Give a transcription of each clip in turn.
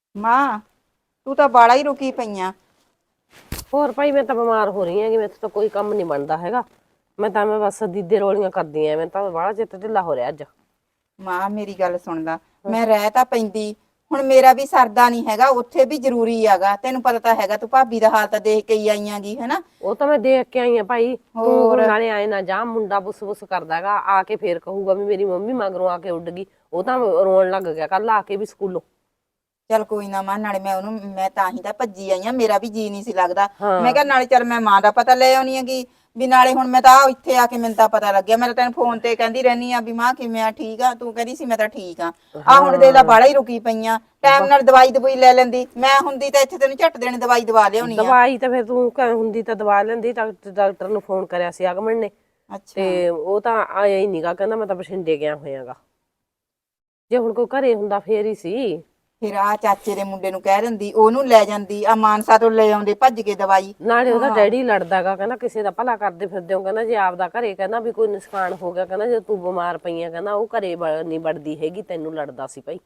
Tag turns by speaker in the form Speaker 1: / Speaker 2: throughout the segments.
Speaker 1: ਮਾਂ ਤੂੰ ਤਾਂ ਬਾਲਾ ਹੀ ਰੁਕੀ ਪਈਆਂ।
Speaker 2: ਹੋਰ ਭਾਈ ਮੈਂ ਤਾਂ ਬਿਮਾਰ ਹੋ ਰਹੀ ਹਾਂ ਕਿ ਮੇਰੇ ਤੋਂ ਕੋਈ ਕੰਮ ਨਹੀਂ ਬਣਦਾ ਹੈਗਾ। ਮੈਂ ਬਸ ਦੀਦੇ ਰੋਲੀਆਂ ਕਰਦੀ ਐ। ਮੈਂ ਤਾਂ ਬਾਹਲਾ ਚਿੱਤ ਢਿੱਲਾ ਹੋ ਰਿਹਾ ਅੱਜ।
Speaker 1: ਮਾਂ ਮੇਰੀ ਗੱਲ ਸੁਣਦਾ, ਮੈਂ ਰਹਿ ਤਾਂ ਪੈਂਦੀ, ਹੁਣ ਮੇਰਾ ਵੀ ਸਰਦਾ ਨਹੀਂ ਹੈਗਾ, ਉੱਥੇ ਵੀ ਜ਼ਰੂਰੀ ਹੈਗਾ। ਤੈਨੂੰ ਪਤਾ ਤਾਂ ਹੈਗਾ, ਤੂੰ ਭਾਬੀ ਦਾ ਹਾਲ ਤਾਂ ਦੇਖ ਕੇ ਹੀ ਆਈਆਂਗੀ ਹਨਾ।
Speaker 2: ਉਹ ਤਾਂ ਮੈਂ ਦੇਖ ਕੇ ਆਈ ਆ ਭਾਈ। ਤੂੰ
Speaker 1: ਹੋਰ
Speaker 2: ਹੁਣ ਨਾਲੇ ਆਏ ਨਾ ਜਾ, ਮੁੰਡਾ ਬੁੱਸ ਬੁੱਸ ਕਰਦਾ ਹੈਗਾ, ਆ ਕੇ ਫੇਰ ਕਹੂਗਾ ਵੀ ਮੇਰੀ ਮੰਮੀ ਮਗਰੋਂ ਆ ਕੇ ਉੱਡ ਗਈ। ਉਹ ਤਾਂ ਰੋਣ ਲੱਗ ਗਿਆ ਕੱਲ ਆ ਕੇ ਵੀ ਸਕੂਲੋਂ।
Speaker 1: ਚੱਲ ਕੋਈ ਨਾ ਮਾਂ, ਨਾਲੇ ਮੈਂ ਤਾਂ ਹੀ ਤਾਂ ਭੱਜੀ ਆਈ ਆ, ਮੇਰਾ ਵੀ ਜੀ ਨਹੀਂ ਸੀ ਲੱਗਦਾ। ਮੈਂ
Speaker 2: ਹਾਂ
Speaker 1: ਕਿਹਾ ਨਾਲੇ ਚੱਲ ਮੈਂ ਮਾਂ ਦਾ ਪਤਾ ਲੈ ਆਉਣੀ ਹੈਗੀ ਵੀ, ਨਾਲੇ ਹੁਣ ਮੈਂ ਤਾਂ ਇੱਥੇ ਆ ਕੇ ਮੈਨੂੰ ਤਾਂ ਪਤਾ ਲੱਗਿਆ। ਮੈਂ ਤਾਂ ਤੈਨੂੰ ਫੋਨ ਤੇ ਕਹਿੰਦੀ ਰਹਿਨੀ ਆ ਵੀ ਮਾਂ ਕਿਵੇਂ ਆ, ਠੀਕ ਆ? ਤੂੰ ਕਹਿੰਦੀ ਸੀ ਮੈਂ ਤਾਂ ਠੀਕ ਆ। ਹੁਣ ਦੇਖ ਲਾ ਬਾਲਾ ਹੀ ਰੁਕੀ ਪਈਆਂ, ਟਾਈਮ ਨਾਲ ਦਵਾਈ ਦਵਾਈ ਲੈ ਲੈਂਦੀ, ਮੈਂ ਹੁੰਦੀ ਤਾਂ ਇੱਥੇ ਤੈਨੂੰ ਝੱਟ ਦੇਣ ਦਵਾਈ ਦਵਾ ਲਿਆਉਣੀ ਆ।
Speaker 2: ਦਵਾਈ ਤਾਂ ਫਿਰ ਤੂੰ ਹੁੰਦੀ ਤਾਂ ਦਵਾ ਲੈਂਦੀ। ਡਾਕਟਰ ਨੂੰ ਫੋਨ ਕਰਿਆ ਸੀ ਅਗਮਨ ਨੇ,
Speaker 1: ਅੱਛਾ
Speaker 2: ਤੇ ਉਹ ਤਾਂ ਆਇਆ ਹੀ ਨੀਗਾ, ਕਹਿੰਦਾ ਮੈਂ ਤਾਂ ਬਠਿੰਡੇ ਗਿਆ ਹੋਇਆਗਾ। ਜੇ ਹੁਣ ਕੋਈ ਘਰੇ ਹੁੰਦਾ ਫੇਰ ਹੀ ਸੀ।
Speaker 1: ਫਿਰ ਆ ਚਾਚੇ ਦੇ ਮੁੰਡੇ ਨੂੰ ਕਹਿ ਦਿੰਦੀ, ਉਹਨੂੰ ਲੈ ਜਾਂਦੀ, ਆ ਮਾਨਸਾ ਤੋਂ ਲੈ ਆਉਂਦੇ ਭੱਜ ਕੇ ਦਵਾਈ।
Speaker 2: ਨਾਲੇ ਉਹਦਾ
Speaker 1: ਹਾਂ
Speaker 2: ਡੈਡੀ ਲੜਦਾਗਾ, ਕਹਿੰਦਾ ਕਿਸੇ ਦਾ ਭਲਾ ਕਰਦੇ ਫਿਰਦੇ ਹੋ, ਕਹਿੰਦਾ ਜੇ ਆਪਦਾ ਘਰੇ ਕਹਿੰਦਾ ਵੀ ਕੋਈ ਨੁਕਸਾਨ ਹੋ ਗਿਆ, ਕਹਿੰਦਾ ਜੇ ਤੂੰ ਬਿਮਾਰ ਪਈ ਆ, ਕਹਿੰਦਾ ਉਹ ਘਰੇ ਨਹੀਂ ਵੜਦੀ ਹੈਗੀ, ਤੈਨੂੰ ਲੜਦਾ ਸੀ ਭਾਈ।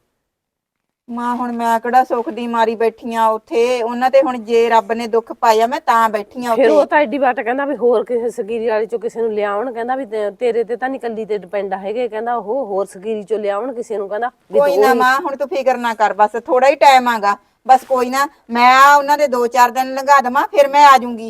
Speaker 1: ਮਾਂ ਹੁਣ ਮੈਂ ਕਿਹੜਾ ਸੁੱਖ ਦੀ ਮਾਰੀ ਬੈਠੀਆਂ ਉੱਥੇ, ਉਹਨਾਂ ਤੇ ਹੁਣ ਜੇ ਰੱਬ ਨੇ ਦੁੱਖ ਪਾਇਆ ਮੈਂ ਤਾਂ ਬੈਠੀਆਂ
Speaker 2: ਫਿਰ ਉਹ
Speaker 1: ਉੱਥੇ।
Speaker 2: ਤਾਂ ਐਡੀ ਵਾਟ ਕਹਿੰਦਾ ਵੀ ਹੋਰ ਕਿਸੇ ਸਕੀਰੀ ਵਾਲੇ ਚੋਂ ਕਿਸੇ ਨੂੰ ਲਿਆਉਣ, ਕਹਿੰਦਾ ਵੀ ਤੇਰੇ ਤੇ ਤਾਂ ਨੀ ਕੱਲੀ ਤੇ ਡਿਪੈਂਡ ਹੈਗੇ, ਕਹਿੰਦਾ ਉਹ ਹੋਰ ਸਕੀਰੀ ਚੋਂ ਲਿਆਉਣ ਕਿਸੇ ਨੂੰ, ਕਹਿੰਦਾ ਵੀ
Speaker 1: ਕੋਈ ਨਾ ਮਾਂ ਹੁਣ ਤੂੰ ਫਿਕਰ ਨਾ ਕਰ, ਬਸ ਥੋੜਾ ਹੀ ਟਾਈਮ ਆਗਾ, ਬਸ ਕੋਈ ਨਾ, ਮੈਂ ਆ ਉਹਨਾਂ ਦੇ 2-4 ਦਿਨ ਲੰਘਾ ਦੇਵਾਂ ਫਿਰ ਮੈਂ ਆ ਜਾਊਂਗੀ।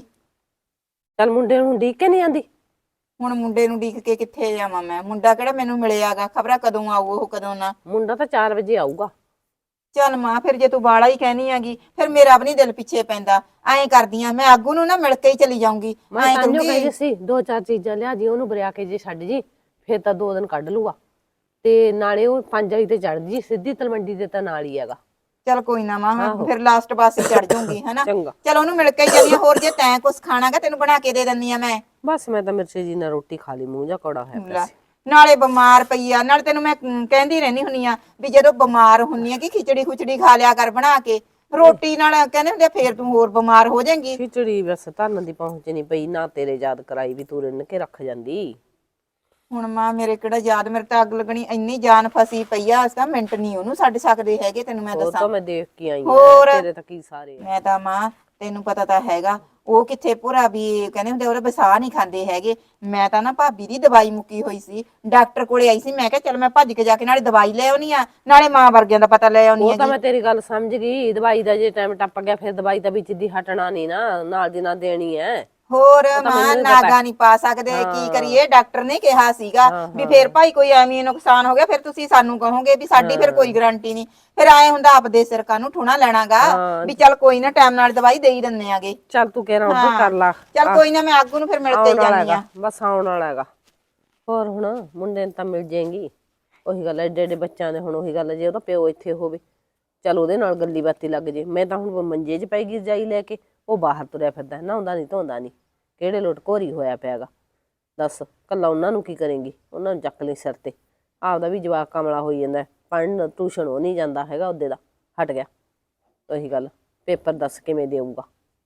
Speaker 2: ਚੱਲ ਮੁੰਡੇ ਨੂੰ ਉਡੀਕ ਕੇ ਨਹੀਂ ਆਂਦੀ।
Speaker 1: ਹੁਣ ਮੁੰਡੇ ਨੂੰ ਉਡੀਕ ਕੇ ਕਿੱਥੇ ਜਾਵਾਂ ਮੈਂ, ਮੁੰਡਾ ਕਿਹੜਾ ਮੈਨੂੰ ਮਿਲਿਆਗਾ, ਖਬਰਾਂ ਕਦੋਂ ਆਊ ਉਹ ਕਦੋਂ ਨਾ।
Speaker 2: ਮੁੰਡਾ ਤਾਂ 4 ਵਜੇ ਆਊਗਾ।
Speaker 1: ਚੱਲ ਮਾਂ ਫਿਰ ਜੇ ਤੂੰ ਬਾਲਾ ਹੀ ਕਹਿਨੀ ਹੈਗੀ, ਫਿਰ ਮੇਰਾ ਵੀ ਨੀ ਦਿਲ ਪਿੱਛੇ ਪੈਂਦਾ। ਐਂ ਕਰਦੀ ਆ, ਮੈਂ ਆਗੂ ਨੂੰ ਨਾ ਮਿਲ ਕੇ ਹੀ ਚਲੀ ਜਾਊਂਗੀ।
Speaker 2: ਮੈਂ
Speaker 1: ਐਂ
Speaker 2: ਤਾਂਿਓ
Speaker 1: ਕਰੂੰਗੀ
Speaker 2: ਕਹਿੰਦੀ ਸੀ 2-4 ਚੀਜ਼ਾਂ ਲਿਆ ਜੀ, ਉਹਨੂੰ ਬਰਿਆ ਕੇ ਜੇ ਛੱਡ ਜੀ, ਫਿਰ ਤਾਂ 2 ਦਿਨ ਕੱਢ ਲੂਗਾ। ਤੇ ਨਾਲੇ ਉਹ 5 ਵਜੇ ਤੇ ਚੜ ਜੀ, ਸਿੱਧੀ ਤਲਵੰਡੀ ਦੇ ਤਾਂ ਨਾਲ ਹੀ ਹੈਗਾ।
Speaker 1: ਚੱਲ ਕੋਈ ਨਾ ਮਾਂ, ਮੈਂ
Speaker 2: ਆਹੋ
Speaker 1: ਫਿਰ ਲਾਸਟ ਬੱਸ ਚੜ ਜਾਊਂਗੀ ਹਨਾ।
Speaker 2: ਚੰਗਾ।
Speaker 1: ਚਲ ਉਹਨੂੰ ਮਿਲ ਕੇ ਹੀ ਜਾਨੀ ਆ, ਹੋਰ ਜੇ ਤੈਂ ਕੁਛ ਖਾਣਾਗਾ ਤੈਨੂੰ ਬਣਾ ਕੇ ਦੇ ਦਿੰਦੀ ਆ ਮੈਂ।
Speaker 2: ਬਸ ਮੈਂ ਤਾਂ ਮਿਰਚੇ ਜੀ ਨਾਲ ਰੋਟੀ ਖਾ ਲਈ, ਮੂੰਹ ਜਾ ਕੌੜਾ ਹੋਇਆ ਪਿਆ
Speaker 1: ਲੈ
Speaker 2: ਸੀ।
Speaker 1: ਨਾਲੇ ਬਿਮਾਰ ਪਈ ਆ, ਨਾਲੇ ਤੈਨੂੰ ਮੈਂ ਕਹਿੰਦੀ ਰਹਿੰਦੀ ਹੁੰਨੀ ਆ ਵੀ ਜਦੋਂ ਬਿਮਾਰ ਹੁੰਨੀ ਆ ਕਿ ਖਿਚੜੀ ਖੁਚੜੀ ਖਾ ਲਿਆ ਕਰ ਬਣਾ ਕੇ, ਰੋਟੀ ਨਾਲ ਕਹਿੰਦੇ ਹੁੰਦੇ ਫੇਰ ਤੂੰ ਹੋਰ ਬਿਮਾਰ ਹੋ ਜਾਏਂਗੀ।
Speaker 2: ਖਿਚੜੀ ਬਸ ਧਰਨ ਦੀ ਪਹੁੰਚ ਨਹੀਂ ਪਈ, ਨਾ ਤੇਰੇ ਯਾਦ ਕਰਾਈ ਵੀ ਤੂੰ ਰਿੰਨ ਕੇ ਰੱਖ ਜਾਂਦੀ।
Speaker 1: ਹੁਣ ਮਾਂ ਮੇਰੇ ਕਿਹੜਾ ਯਾਦ, ਮੇਰੇ ਤਾਂ ਅੱਗ ਲੱਗਣੀ ਇੰਨੀ ਜਾਨ ਫਸੀ ਪਈ ਆ, ਅਸਾਂ ਮਿੰਟ ਨਹੀਂ ਉਹਨੂੰ ਛੱਡ ਸਕਦੇ ਹੈਗੇ, ਤੈਨੂੰ ਮੈਂ
Speaker 2: ਉਹ
Speaker 1: ਦੱਸਾਂ।
Speaker 2: ਤਾਂ ਮੈਂ ਦੇਖ ਕੇ ਆਈ ਆ,
Speaker 1: ਹੋਰ
Speaker 2: ਤੇਰੇ ਤਾਂ ਕੀ ਸਾਰੇ ਆ।
Speaker 1: ਮੈਂ ਤਾਂ ਮਾਂ ਤੈਨੂੰ ਪਤਾ ਤਾਂ ਹੈਗਾ, ਉਹ ਕਿੱਥੇ ਭੋਰਾ ਵੀ ਕਹਿੰਦੇ ਹੁੰਦੇ ਉਹਦੇ ਵਸਾ ਨਹੀਂ ਖਾਂਦੇ ਹੈਗੇ। ਮੈਂ ਤਾਂ ਨਾ ਭਾਬੀ ਦੀ ਦਵਾਈ ਮੁੱਕੀ ਹੋਈ ਸੀ, ਡਾਕਟਰ ਕੋਲੇ ਆਈ ਸੀ, ਮੈਂ ਕਿਹਾ ਚੱਲ ਮੈਂ ਭੱਜ ਕੇ ਜਾ ਕੇ ਨਾਲੇ ਦਵਾਈ ਲੈ ਆਉਣੀ ਆ, ਨਾਲੇ ਮਾਂ ਵਰਗਿਆਂ ਦਾ ਪਤਾ ਲੈ ਆਉਣੀ
Speaker 2: ਉਹ ਤਾਂ
Speaker 1: ਹੈਗੀ।
Speaker 2: ਮੈਂ ਤੇਰੀ ਗੱਲ ਸਮਝ ਗਈ, ਦਵਾਈ ਦਾ ਜੇ ਟਾਈਮ ਟੱਪ ਗਿਆ ਫਿਰ ਦਵਾਈ ਤਾਂ ਵਿੱਚ ਦੀ ਹਟਣਾ ਨੀ ਨਾ, ਨਾਲ ਦੀ ਨਾਲ ਦੇਣੀ ਹੈ।
Speaker 1: ਹੋਰ
Speaker 2: ਉਹ ਤਾਂ
Speaker 1: ਮਾਂ
Speaker 2: ਮੈਨੂੰ ਵੀ ਪਤਾ।
Speaker 1: ਨਾਗਾ ਨਹੀਂ ਪਾ ਸਕਦੇ, ਕੀ
Speaker 2: ਹਾਂ
Speaker 1: ਕਰੀਏ, ਡਾਕਟਰ ਨੇ ਕਿਹਾ ਸੀਗਾ
Speaker 2: ਹਾਂ
Speaker 1: ਵੀ
Speaker 2: ਹਾਂ
Speaker 1: ਫੇਰ ਭਾਈ ਕੋਈ ਐਵੇਂ ਨੁਕਸਾਨ ਹੋ ਗਿਆ ਫਿਰ ਤੁਸੀਂ ਸਾਨੂੰ ਕਹੋਗੇ ਵੀ ਸਾਡੀ ਫਿਰ ਕੋਈ
Speaker 2: ਹਾਂ
Speaker 1: ਗਾਰੰਟੀ ਨਹੀਂ। ਫਿਰ ਆਏ ਹੁੰਦਾ ਆਪਦੇ ਸਿਰ ਕਾਨੂੰ ਠੂਣਾ ਲੈਣਾਗਾ,
Speaker 2: ਹਾਂ
Speaker 1: ਵੀ ਚੱਲ ਕੋਈ ਨਾ ਟਾਈਮ ਨਾਲ ਦਵਾਈ ਦੇ ਹੀ ਦਿੰਨੇ ਆਗੇ।
Speaker 2: ਚੱਲ ਤੂੰ ਕਹਿਣਾ ਉਧਰ
Speaker 1: ਹਾਂ
Speaker 2: ਕਰ ਲਾ।
Speaker 1: ਚੱਲ ਕੋਈ ਨਾ, ਮੈਂ ਆਗੂ ਨੂੰ ਫਿਰ ਮਿਲ ਕੇ ਹੀ
Speaker 2: ਆਉਣ ਵਾਲਾ
Speaker 1: ਜਾਨੀ
Speaker 2: ਹੈਗਾ,
Speaker 1: ਆ।
Speaker 2: ਬਸ ਆਉਣ ਵਾਲਾ ਹੈਗਾ। ਹੋਰ ਹੁਣ ਮੁੰਡੇ ਨੂੰ ਤਾਂ ਮਿਲ ਜਾਏਗੀ। ਉਹੀ ਗੱਲ, ਐਡੇ ਐਡੇ ਬੱਚਿਆਂ ਦੇ ਹੁਣ ਉਹੀ ਗੱਲ, ਜੇ ਉਹਦਾ ਪਿਓ ਇੱਥੇ ਹੋਵੇ ਚੱਲ ਉਹਦੇ ਨਾਲ ਗੱਲੀ ਬਾਤੀ ਲੱਗ ਜੇ। ਮੈਂ ਤਾਂ ਹੁਣ ਮੰਜੇ 'ਚ ਪੈ ਗਈ ਰਜਾਈ ਲੈ ਕੇ, ਉਹ ਬਾਹਰ ਤੁਰਿਆ ਫਿਰਦਾ, ਨਹਾਉਂਦਾ ਨਹੀਂ ਧੋਂਦਾ ਨਹੀਂ, ਕਿਹੜੇ ਲੋਟ ਘੋਰੀ ਹੋਇਆ ਪਿਆਗਾ। ਦੱਸ ਕੱਲਾ ਉਹਨਾਂ ਨੂੰ ਕੀ ਕਰੇਂਗੀ, ਉਹਨਾਂ ਨੂੰ ਚੱਕ ਲਈ ਸਿਰ ਤੇ। ਆਪਦਾ ਵੀ ਜਵਾਕ ਕਮਲਾ ਹੋਈ ਜਾਂਦਾ, ਪੜ੍ਹਨ ਟਿਊਸ਼ਨ ਉਹ ਨਹੀਂ ਜਾਂਦਾ ਹੈਗਾ, ਉਹਦੇ ਦਾ ਹਟ ਗਿਆ। ਉਹੀ ਗੱਲ, ਪੇਪਰ ਦੱਸ ਕਿਵੇਂ ਦੇਊਗਾ।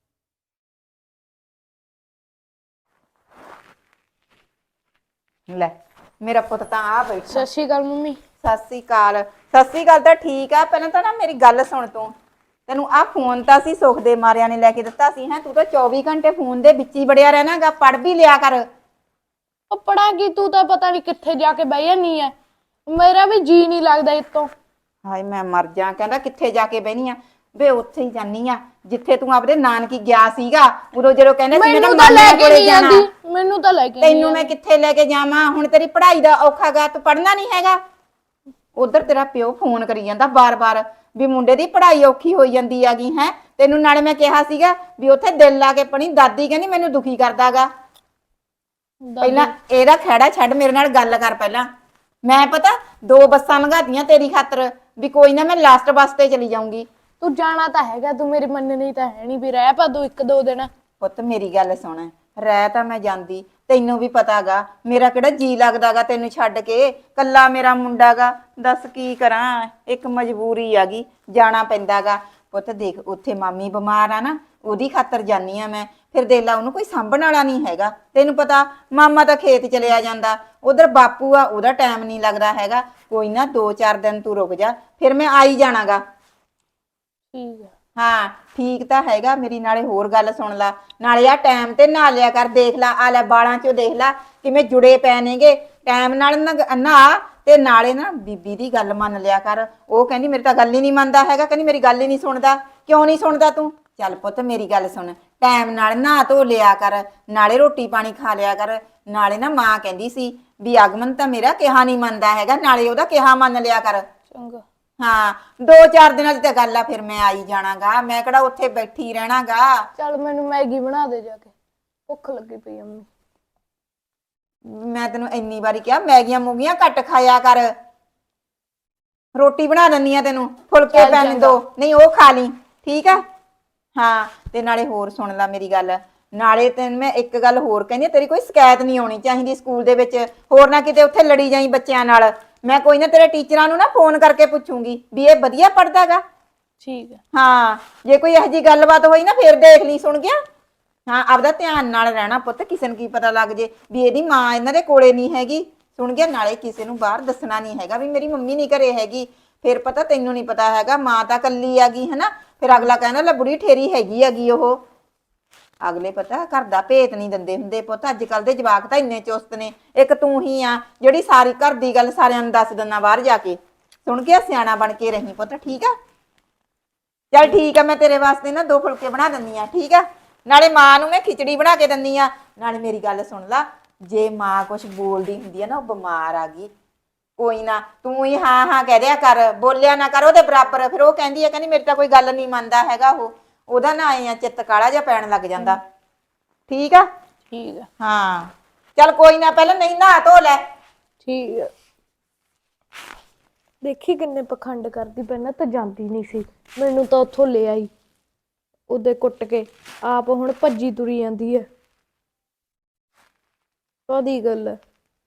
Speaker 1: ਲੈ ਮੇਰਾ ਪੁੱਤ ਤਾਂ ਆ ਬੈਠਾ।
Speaker 3: ਸਤਿ ਸ਼੍ਰੀ ਅਕਾਲ ਮੰਮੀ।
Speaker 1: ਸਤਿ ਸ੍ਰੀ ਅਕਾਲ। ਸਤਿ ਸ੍ਰੀ ਅਕਾਲ ਤਾਂ ਠੀਕ ਆ, ਪਹਿਲਾਂ ਤਾਂ ਨਾ ਮੇਰੀ ਗੱਲ ਸੁਣ ਤੂੰ। ਤੈਨੂੰ ਆ ਫੋਨ ਤਾਂ ਸੀ ਸੁੱਖ ਦੇ ਮਾਰਿਆਂ ਨੇ ਲੈ ਕੇ ਦਿੱਤਾ ਸੀ, ਹੈ ਤੂੰ ਤਾਂ 24 ਘੰਟੇ ਫੋਨ ਦੇ ਵਿੱਚ ਹੀ ਵੜਿਆ ਰਹਿਣਾਗਾ, ਪੜ੍ਹ ਵੀ ਲਿਆ ਕਰ।
Speaker 3: ਉਹ ਪੜਾ ਕੀ, ਤੂੰ ਤਾਂ ਪਤਾ ਨਹੀਂ ਕਿੱਥੇ ਜਾ ਕੇ ਬਹਿ ਜਾਨੀ ਐ, ਮੇਰਾ ਵੀ ਜੀ ਨਹੀਂ ਲੱਗਦਾ ਇਤੋਂ।
Speaker 1: ਹਾਏ ਮੈਂ ਮਰ ਜਾ, ਕਹਿੰਦਾ ਕਿੱਥੇ ਜਾ ਕੇ ਬਹਿਨੀ ਆ ਵੇ, ਉੱਥੇ ਹੀ ਜਾਨੀ ਆ ਜਿੱਥੇ ਤੂੰ ਆਪਦੇ ਨਾਨਕੀ ਗਿਆ ਸੀਗਾ ਉਦੋਂ, ਜਦੋਂ ਕਹਿੰਦੇ ਸੀ ਮੈਂ ਤਾਂ
Speaker 3: ਮੈਨੂੰ ਤਾਂ ਲੈ
Speaker 1: ਮਾਮਿਆਂ
Speaker 3: ਕੇ
Speaker 1: ਕੋਲੇ
Speaker 3: ਨਹੀਂ
Speaker 1: ਜਾਣਾ।
Speaker 3: ਜਾਂਦੀ, ਮੈਨੂੰ ਤਾਂ ਲੈ ਕੇ ਨਹੀਂ
Speaker 1: ਤੈਨੂੰ ਮੈਂ ਕਿੱਥੇ ਲੈ ਕੇ ਜਾਵਾਂ, ਹੁਣ ਤੇਰੀ ਪੜ੍ਹਾਈ ਦਾ ਔਖਾ ਗਾ, ਤੂੰ ਪੜ੍ਹਨਾ ਨਹੀਂ ਹੈਗਾ। ਉਧਰ ਤੇਰਾ ਪਿਓ ਫੋਨ ਕਰੀ ਜਾਂਦਾ ਬਾਰ-ਬਾਰ ਵੀ ਮੁੰਡੇ ਦੀ ਪੜ੍ਹਾਈ ਔਖੀ ਹੋਈ ਜਾਂਦੀ ਆਗੀ ਹੈ। ਤੈਨੂੰ ਨਾਲੇ ਮੈਂ ਕਿਹਾ ਸੀਗਾ ਵੀ ਉੱਥੇ ਦਿਲ ਲਾ ਕੇ ਪੜ੍ਹੀ, ਦਾਦੀ ਕਹਿੰਦੀ ਮੈਨੂੰ ਦੁਖੀ ਕਰਦਾਗਾ। ਪਹਿਲਾਂ
Speaker 3: ਦਾਦੀ।
Speaker 1: ਇਹਦਾ ਖਹਿੜਾ ਛੱਡ, ਮੇਰੇ ਨਾਲ ਗੱਲ ਕਰ ਪਹਿਲਾਂ। ਮੈਂ ਪਤਾ 2 ਬੱਸਾਂ ਲੰਘਾਤੀਆਂ ਤੇਰੀ ਖਾਤਰ ਵੀ ਕੋਈ ਨਾ ਮੈਂ ਲਾਸਟ ਬੱਸ ਤੇ ਚਲੀ ਜਾਊਂਗੀ।
Speaker 3: ਤੂੰ ਜਾਣਾ ਤਾਂ ਹੈਗਾ, ਤੂੰ ਮੇਰੀ ਮੰਨਣੀ ਤਾਂ ਹੈ ਨਹੀਂ, ਵੀ ਰਹਿ ਪਾ ਤੂੰ 1-2 ਦਿਨ।
Speaker 1: ਪੁੱਤ ਮੇਰੀ ਗੱਲ ਸੁਣ, ਰਹਿ ਤਾਂ ਮੈਂ ਜਾਂਦੀ, ਤੈਨੂੰ ਵੀ ਪਤਾਗਾ ਮੇਰਾ ਕਿਹੜਾ ਜੀ ਲੱਗਦਾਗਾ ਤੈਨੂੰ ਛੱਡ ਕੇ, ਕੱਲਾ ਮੇਰਾ ਮੁੰਡਾਗਾ। ਦੱਸ ਕੀ ਕਰਾਂ, ਇੱਕ ਮਜਬੂਰੀ ਆਗੀ, ਜਾਣਾ ਪੈਂਦਾਗਾ। ਪੁੱਤ ਦੇਖ ਉੱਥੇ ਮਾਮੀ ਬਿਮਾਰ ਆ ਨਾ, ਉਹਦੀ ਖਾਤਰ ਜਾਨੀ ਆ ਮੈਂ। ਫਿਰ ਦੇਖ ਲਾ ਉਹਨੂੰ ਕੋਈ ਸਾਂਭਣ ਵਾਲਾ ਨਹੀਂ ਹੈਗਾ, ਤੈਨੂੰ ਪਤਾ ਮਾਮਾ ਤਾਂ ਖੇਤ ਚਲਿਆ ਜਾਂਦਾ, ਉਧਰ ਬਾਪੂ ਆ ਉਹਦਾ ਟਾਈਮ ਨਹੀਂ ਲੱਗਦਾ ਹੈਗਾ। ਕੋਈ ਨਾ 2-4 ਦਿਨ ਤੂੰ ਰੁਕ ਜਾ, ਫਿਰ ਮੈਂ ਆਈ ਜਾਣਾਗਾ।
Speaker 3: ਠੀਕ ਹੈ।
Speaker 1: ਹਾਂ ਠੀਕ ਤਾਂ ਹੈਗਾ, ਮੇਰੀ ਨਾਲੇ ਹੋਰ ਗੱਲ ਸੁਣ ਲਾ, ਨਾਲੇ ਆ ਟਾਈਮ ਤੇ ਨਹਾ ਲਿਆ ਕਰ, ਦੇਖ ਲਾ ਆ ਲੈ ਬਾਲਾਂ ਚੋਂ ਦੇਖ ਲਾ ਕਿਵੇਂ ਜੁੜੇ ਪੈ ਨੇਗੇ, ਟਾਈਮ ਨਾਲ ਨਹਾ ਤੇ ਨਾਲੇ ਨਾ ਬੀਬੀ ਦੀ ਗੱਲ ਮੰਨ ਲਿਆ ਕਰ। ਉਹ ਕਹਿੰਦੀ ਮੇਰੀ ਤਾਂ ਗੱਲ ਹੀ ਨਹੀਂ ਮੰਨਦਾ ਹੈਗਾ, ਕਹਿੰਦੀ ਮੇਰੀ ਗੱਲ ਹੀ ਨਹੀਂ ਸੁਣਦਾ। ਕਿਉਂ ਨਹੀਂ ਸੁਣਦਾ ਤੂੰ? ਚੱਲ ਪੁੱਤ ਮੇਰੀ ਗੱਲ ਸੁਣ, ਟਾਈਮ ਨਾਲ ਨਹਾ ਧੋ ਲਿਆ ਕਰ, ਨਾਲੇ ਰੋਟੀ ਪਾਣੀ ਖਾ ਲਿਆ ਕਰ। ਨਾਲੇ ਨਾ ਮਾਂ ਕਹਿੰਦੀ ਸੀ ਵੀ ਆਗਮਨ ਤਾਂ ਮੇਰਾ ਕਿਹਾ ਨਹੀਂ ਮੰਨਦਾ ਹੈਗਾ, ਨਾਲੇ ਉਹਦਾ ਕਿਹਾ ਮੰਨ ਲਿਆ ਕਰ।
Speaker 3: ਚੰਗਾ।
Speaker 1: ਹਾਂ 2-4 ਦਿਨਾਂ ਦੀ ਤਾਂ ਗੱਲ ਆ, ਫਿਰ ਮੈਂ ਆਈ ਜਾਣਾਗਾ, ਮੈਂ ਕਿਹੜਾ ਉੱਥੇ ਬੈਠੀ ਰਹਿਣਾਗਾ।
Speaker 3: ਚੱਲ ਮੈਨੂੰ ਮੈਗੀ ਬਣਾ ਦੇ ਜਾ ਕੇ, ਭੁੱਖ ਲੱਗੀ ਪਈ ਅੰਮੀ।
Speaker 1: ਮੈਂ ਤੈਨੂੰ ਇੰਨੀ ਵਾਰੀ ਕਿਹਾ ਮੈਗੀਆਂ ਮੂਗੀਆਂ ਘੱਟ ਖਾਇਆ ਕਰ, ਰੋਟੀ ਬਣਾ ਦਿੰਨੀ ਆ ਤੈਨੂੰ, ਫੁਲਕੇ ਪੈਣ ਦੋ, ਨਹੀਂ ਉਹ ਖਾ ਲਈ ਠੀਕ ਆ। ਹਾਂ ਤੇ ਨਾਲੇ ਹੋਰ ਸੁਣ ਲੈ ਮੇਰੀ ਗੱਲ, ਨਾਲੇ ਤੈਨੂੰ ਮੈਂ ਇੱਕ ਗੱਲ ਹੋਰ ਕਹਿੰਦੀ ਆ, ਤੇਰੀ ਕੋਈ ਸ਼ਿਕਾਇਤ ਨਹੀਂ ਆਉਣੀ ਚਾਹੀਦੀ ਸਕੂਲ ਦੇ ਵਿੱਚ, ਹੋਰ ਨਾ ਕਿਤੇ ਉੱਥੇ ਲੜੀ ਜਾਈ ਬੱਚਿਆਂ ਨਾਲ। ਮੈਂ ਕੋਈ ਨਾ ਤੇਰੇ ਟੀਚਰਾਂ ਨੂੰ ਨਾ ਫੋਨ ਕਰਕੇ ਪੁੱਛੂੰਗੀ ਵੀ ਇਹ ਵਧੀਆ ਪੜ੍ਹਦਾਗਾ।
Speaker 3: ਠੀਕ ਹੈ।
Speaker 1: ਹਾਂ ਜੇ ਕੋਈ ਇਹੋ ਜਿਹੀ ਗੱਲਬਾਤ ਹੋਈ ਨਾ ਫੇਰ ਦੇਖ ਲਈ, ਸੁਣ ਗਿਆ। ਹਾਂ ਆਪਦਾ ਧਿਆਨ ਨਾਲ ਰਹਿਣਾ ਪੁੱਤ, ਕਿਸੇ ਨੂੰ ਕੀ ਪਤਾ ਲੱਗ ਜੇ ਵੀ ਇਹਦੀ ਮਾਂ ਇਹਨਾਂ ਦੇ ਕੋਲੇ ਨਹੀਂ ਹੈਗੀ, ਸੁਣ ਗਿਆ। ਨਾਲੇ ਕਿਸੇ ਨੂੰ ਬਾਹਰ ਦੱਸਣਾ ਨਹੀਂ ਹੈਗਾ ਵੀ ਮੇਰੀ ਮੰਮੀ ਨਹੀਂ ਘਰੇ ਹੈਗੀ, ਫਿਰ ਪਤਾ ਤੈਨੂੰ ਨਹੀਂ ਪਤਾ ਹੈਗਾ, ਮਾਂ ਤਾਂ ਕੱਲੀ ਆਗੀ ਹਨਾ, ਫਿਰ ਅਗਲਾ ਕਹਿੰਦਾ ਲੈ ਬੁੜੀ ਠੇਰੀ ਹੈਗੀ ਉਹ। ਅਗਲੇ ਪਤਾ ਘਰ ਦਾ ਭੇਤ ਨਹੀਂ ਦਿੰਦੇ ਹੁੰਦੇ ਪੁੱਤ, ਅੱਜ ਕੱਲ ਦੇ ਜਵਾਕ ਤਾਂ ਇੰਨੇ ਚੁਸਤ ਨੇ, ਇੱਕ ਤੂੰ ਹੀ ਆ ਜਿਹੜੀ ਸਾਰੀ ਘਰ ਦੀ ਗੱਲ ਸਾਰਿਆਂ ਨੂੰ ਦੱਸ ਦਿੰਦਾ ਬਾਹਰ ਜਾ ਕੇ। ਸੁਣ ਗਿਆ, ਸਿਆਣਾ ਬਣ ਕੇ ਰਹੀ ਪੁੱਤ ਠੀਕ ਆ। ਚੱਲ ਠੀਕ ਆ, ਮੈਂ ਤੇਰੇ ਵਾਸਤੇ ਨਾ 2 ਫੁਲਕੇ ਬਣਾ ਦਿੰਦੀ ਆ ਠੀਕ ਆ, ਨਾਲੇ ਮਾਂ ਨੂੰ ਮੈਂ ਖਿਚੜੀ ਬਣਾ ਕੇ ਦਿੰਦੀ ਆ। ਨਾਲੇ ਮੇਰੀ ਗੱਲ ਸੁਣ ਲਾ, ਜੇ ਮਾਂ ਕੁਛ ਬੋਲਦੀ ਹੁੰਦੀ ਆ ਨਾ, ਉਹ ਬਿਮਾਰ ਆ ਗਈ, ਕੋਈ ਨਾ ਤੂੰ ਹੀ ਹਾਂ ਹਾਂ ਕਹਿ ਦਿਆ ਕਰ, ਬੋਲਿਆ ਨਾ ਕਰ ਉਹਦੇ ਬਰਾਬਰ। ਫਿਰ ਉਹ ਕਹਿੰਦੀ ਆ, ਕਹਿੰਦੀ ਮੇਰੀ ਤਾਂ ਕੋਈ ਗੱਲ ਨਹੀਂ ਮੰਨਦਾ ਹੈਗਾ, ਉਹਦਾ ਨਾ ਆਏ ਆ ਚਿੱਤ ਕਾਲਾ ਜਿਹਾ ਪੈਣ ਲੱਗ ਜਾਂਦਾ ਠੀਕ ਆ।
Speaker 3: ਠੀਕ ਹੈ।
Speaker 1: ਹਾਂ ਚੱਲ ਕੋਈ ਨਾ, ਪਹਿਲਾਂ ਨਹੀਂ ਨਹਾ ਧੋ ਲੈ।
Speaker 3: ਠੀਕ ਹੈ। ਦੇਖੀ ਕਿੰਨੇ ਪਖੰਡ ਕਰਦੀ, ਪਹਿਲਾਂ ਤਾਂ ਜਾਂਦੀ ਨਹੀਂ ਸੀ, ਮੈਨੂੰ ਤਾਂ ਉੱਥੋਂ ਲੈ ਆਈ ਉਹਦੇ ਕੁੱਟ ਕੇ, ਆਪ ਹੁਣ ਭੱਜੀ ਤੁਰੀ ਜਾਂਦੀ ਹੈ। ਕਾਹਦੀ ਗੱਲ ਹੈ,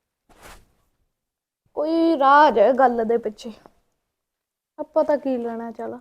Speaker 3: ਕੋਈ ਰਾਜ ਹੈ ਗੱਲ ਦੇ ਪਿੱਛੇ, ਆਪਾਂ ਤਾਂ ਕੀ ਲੈਣਾ। ਚੱਲ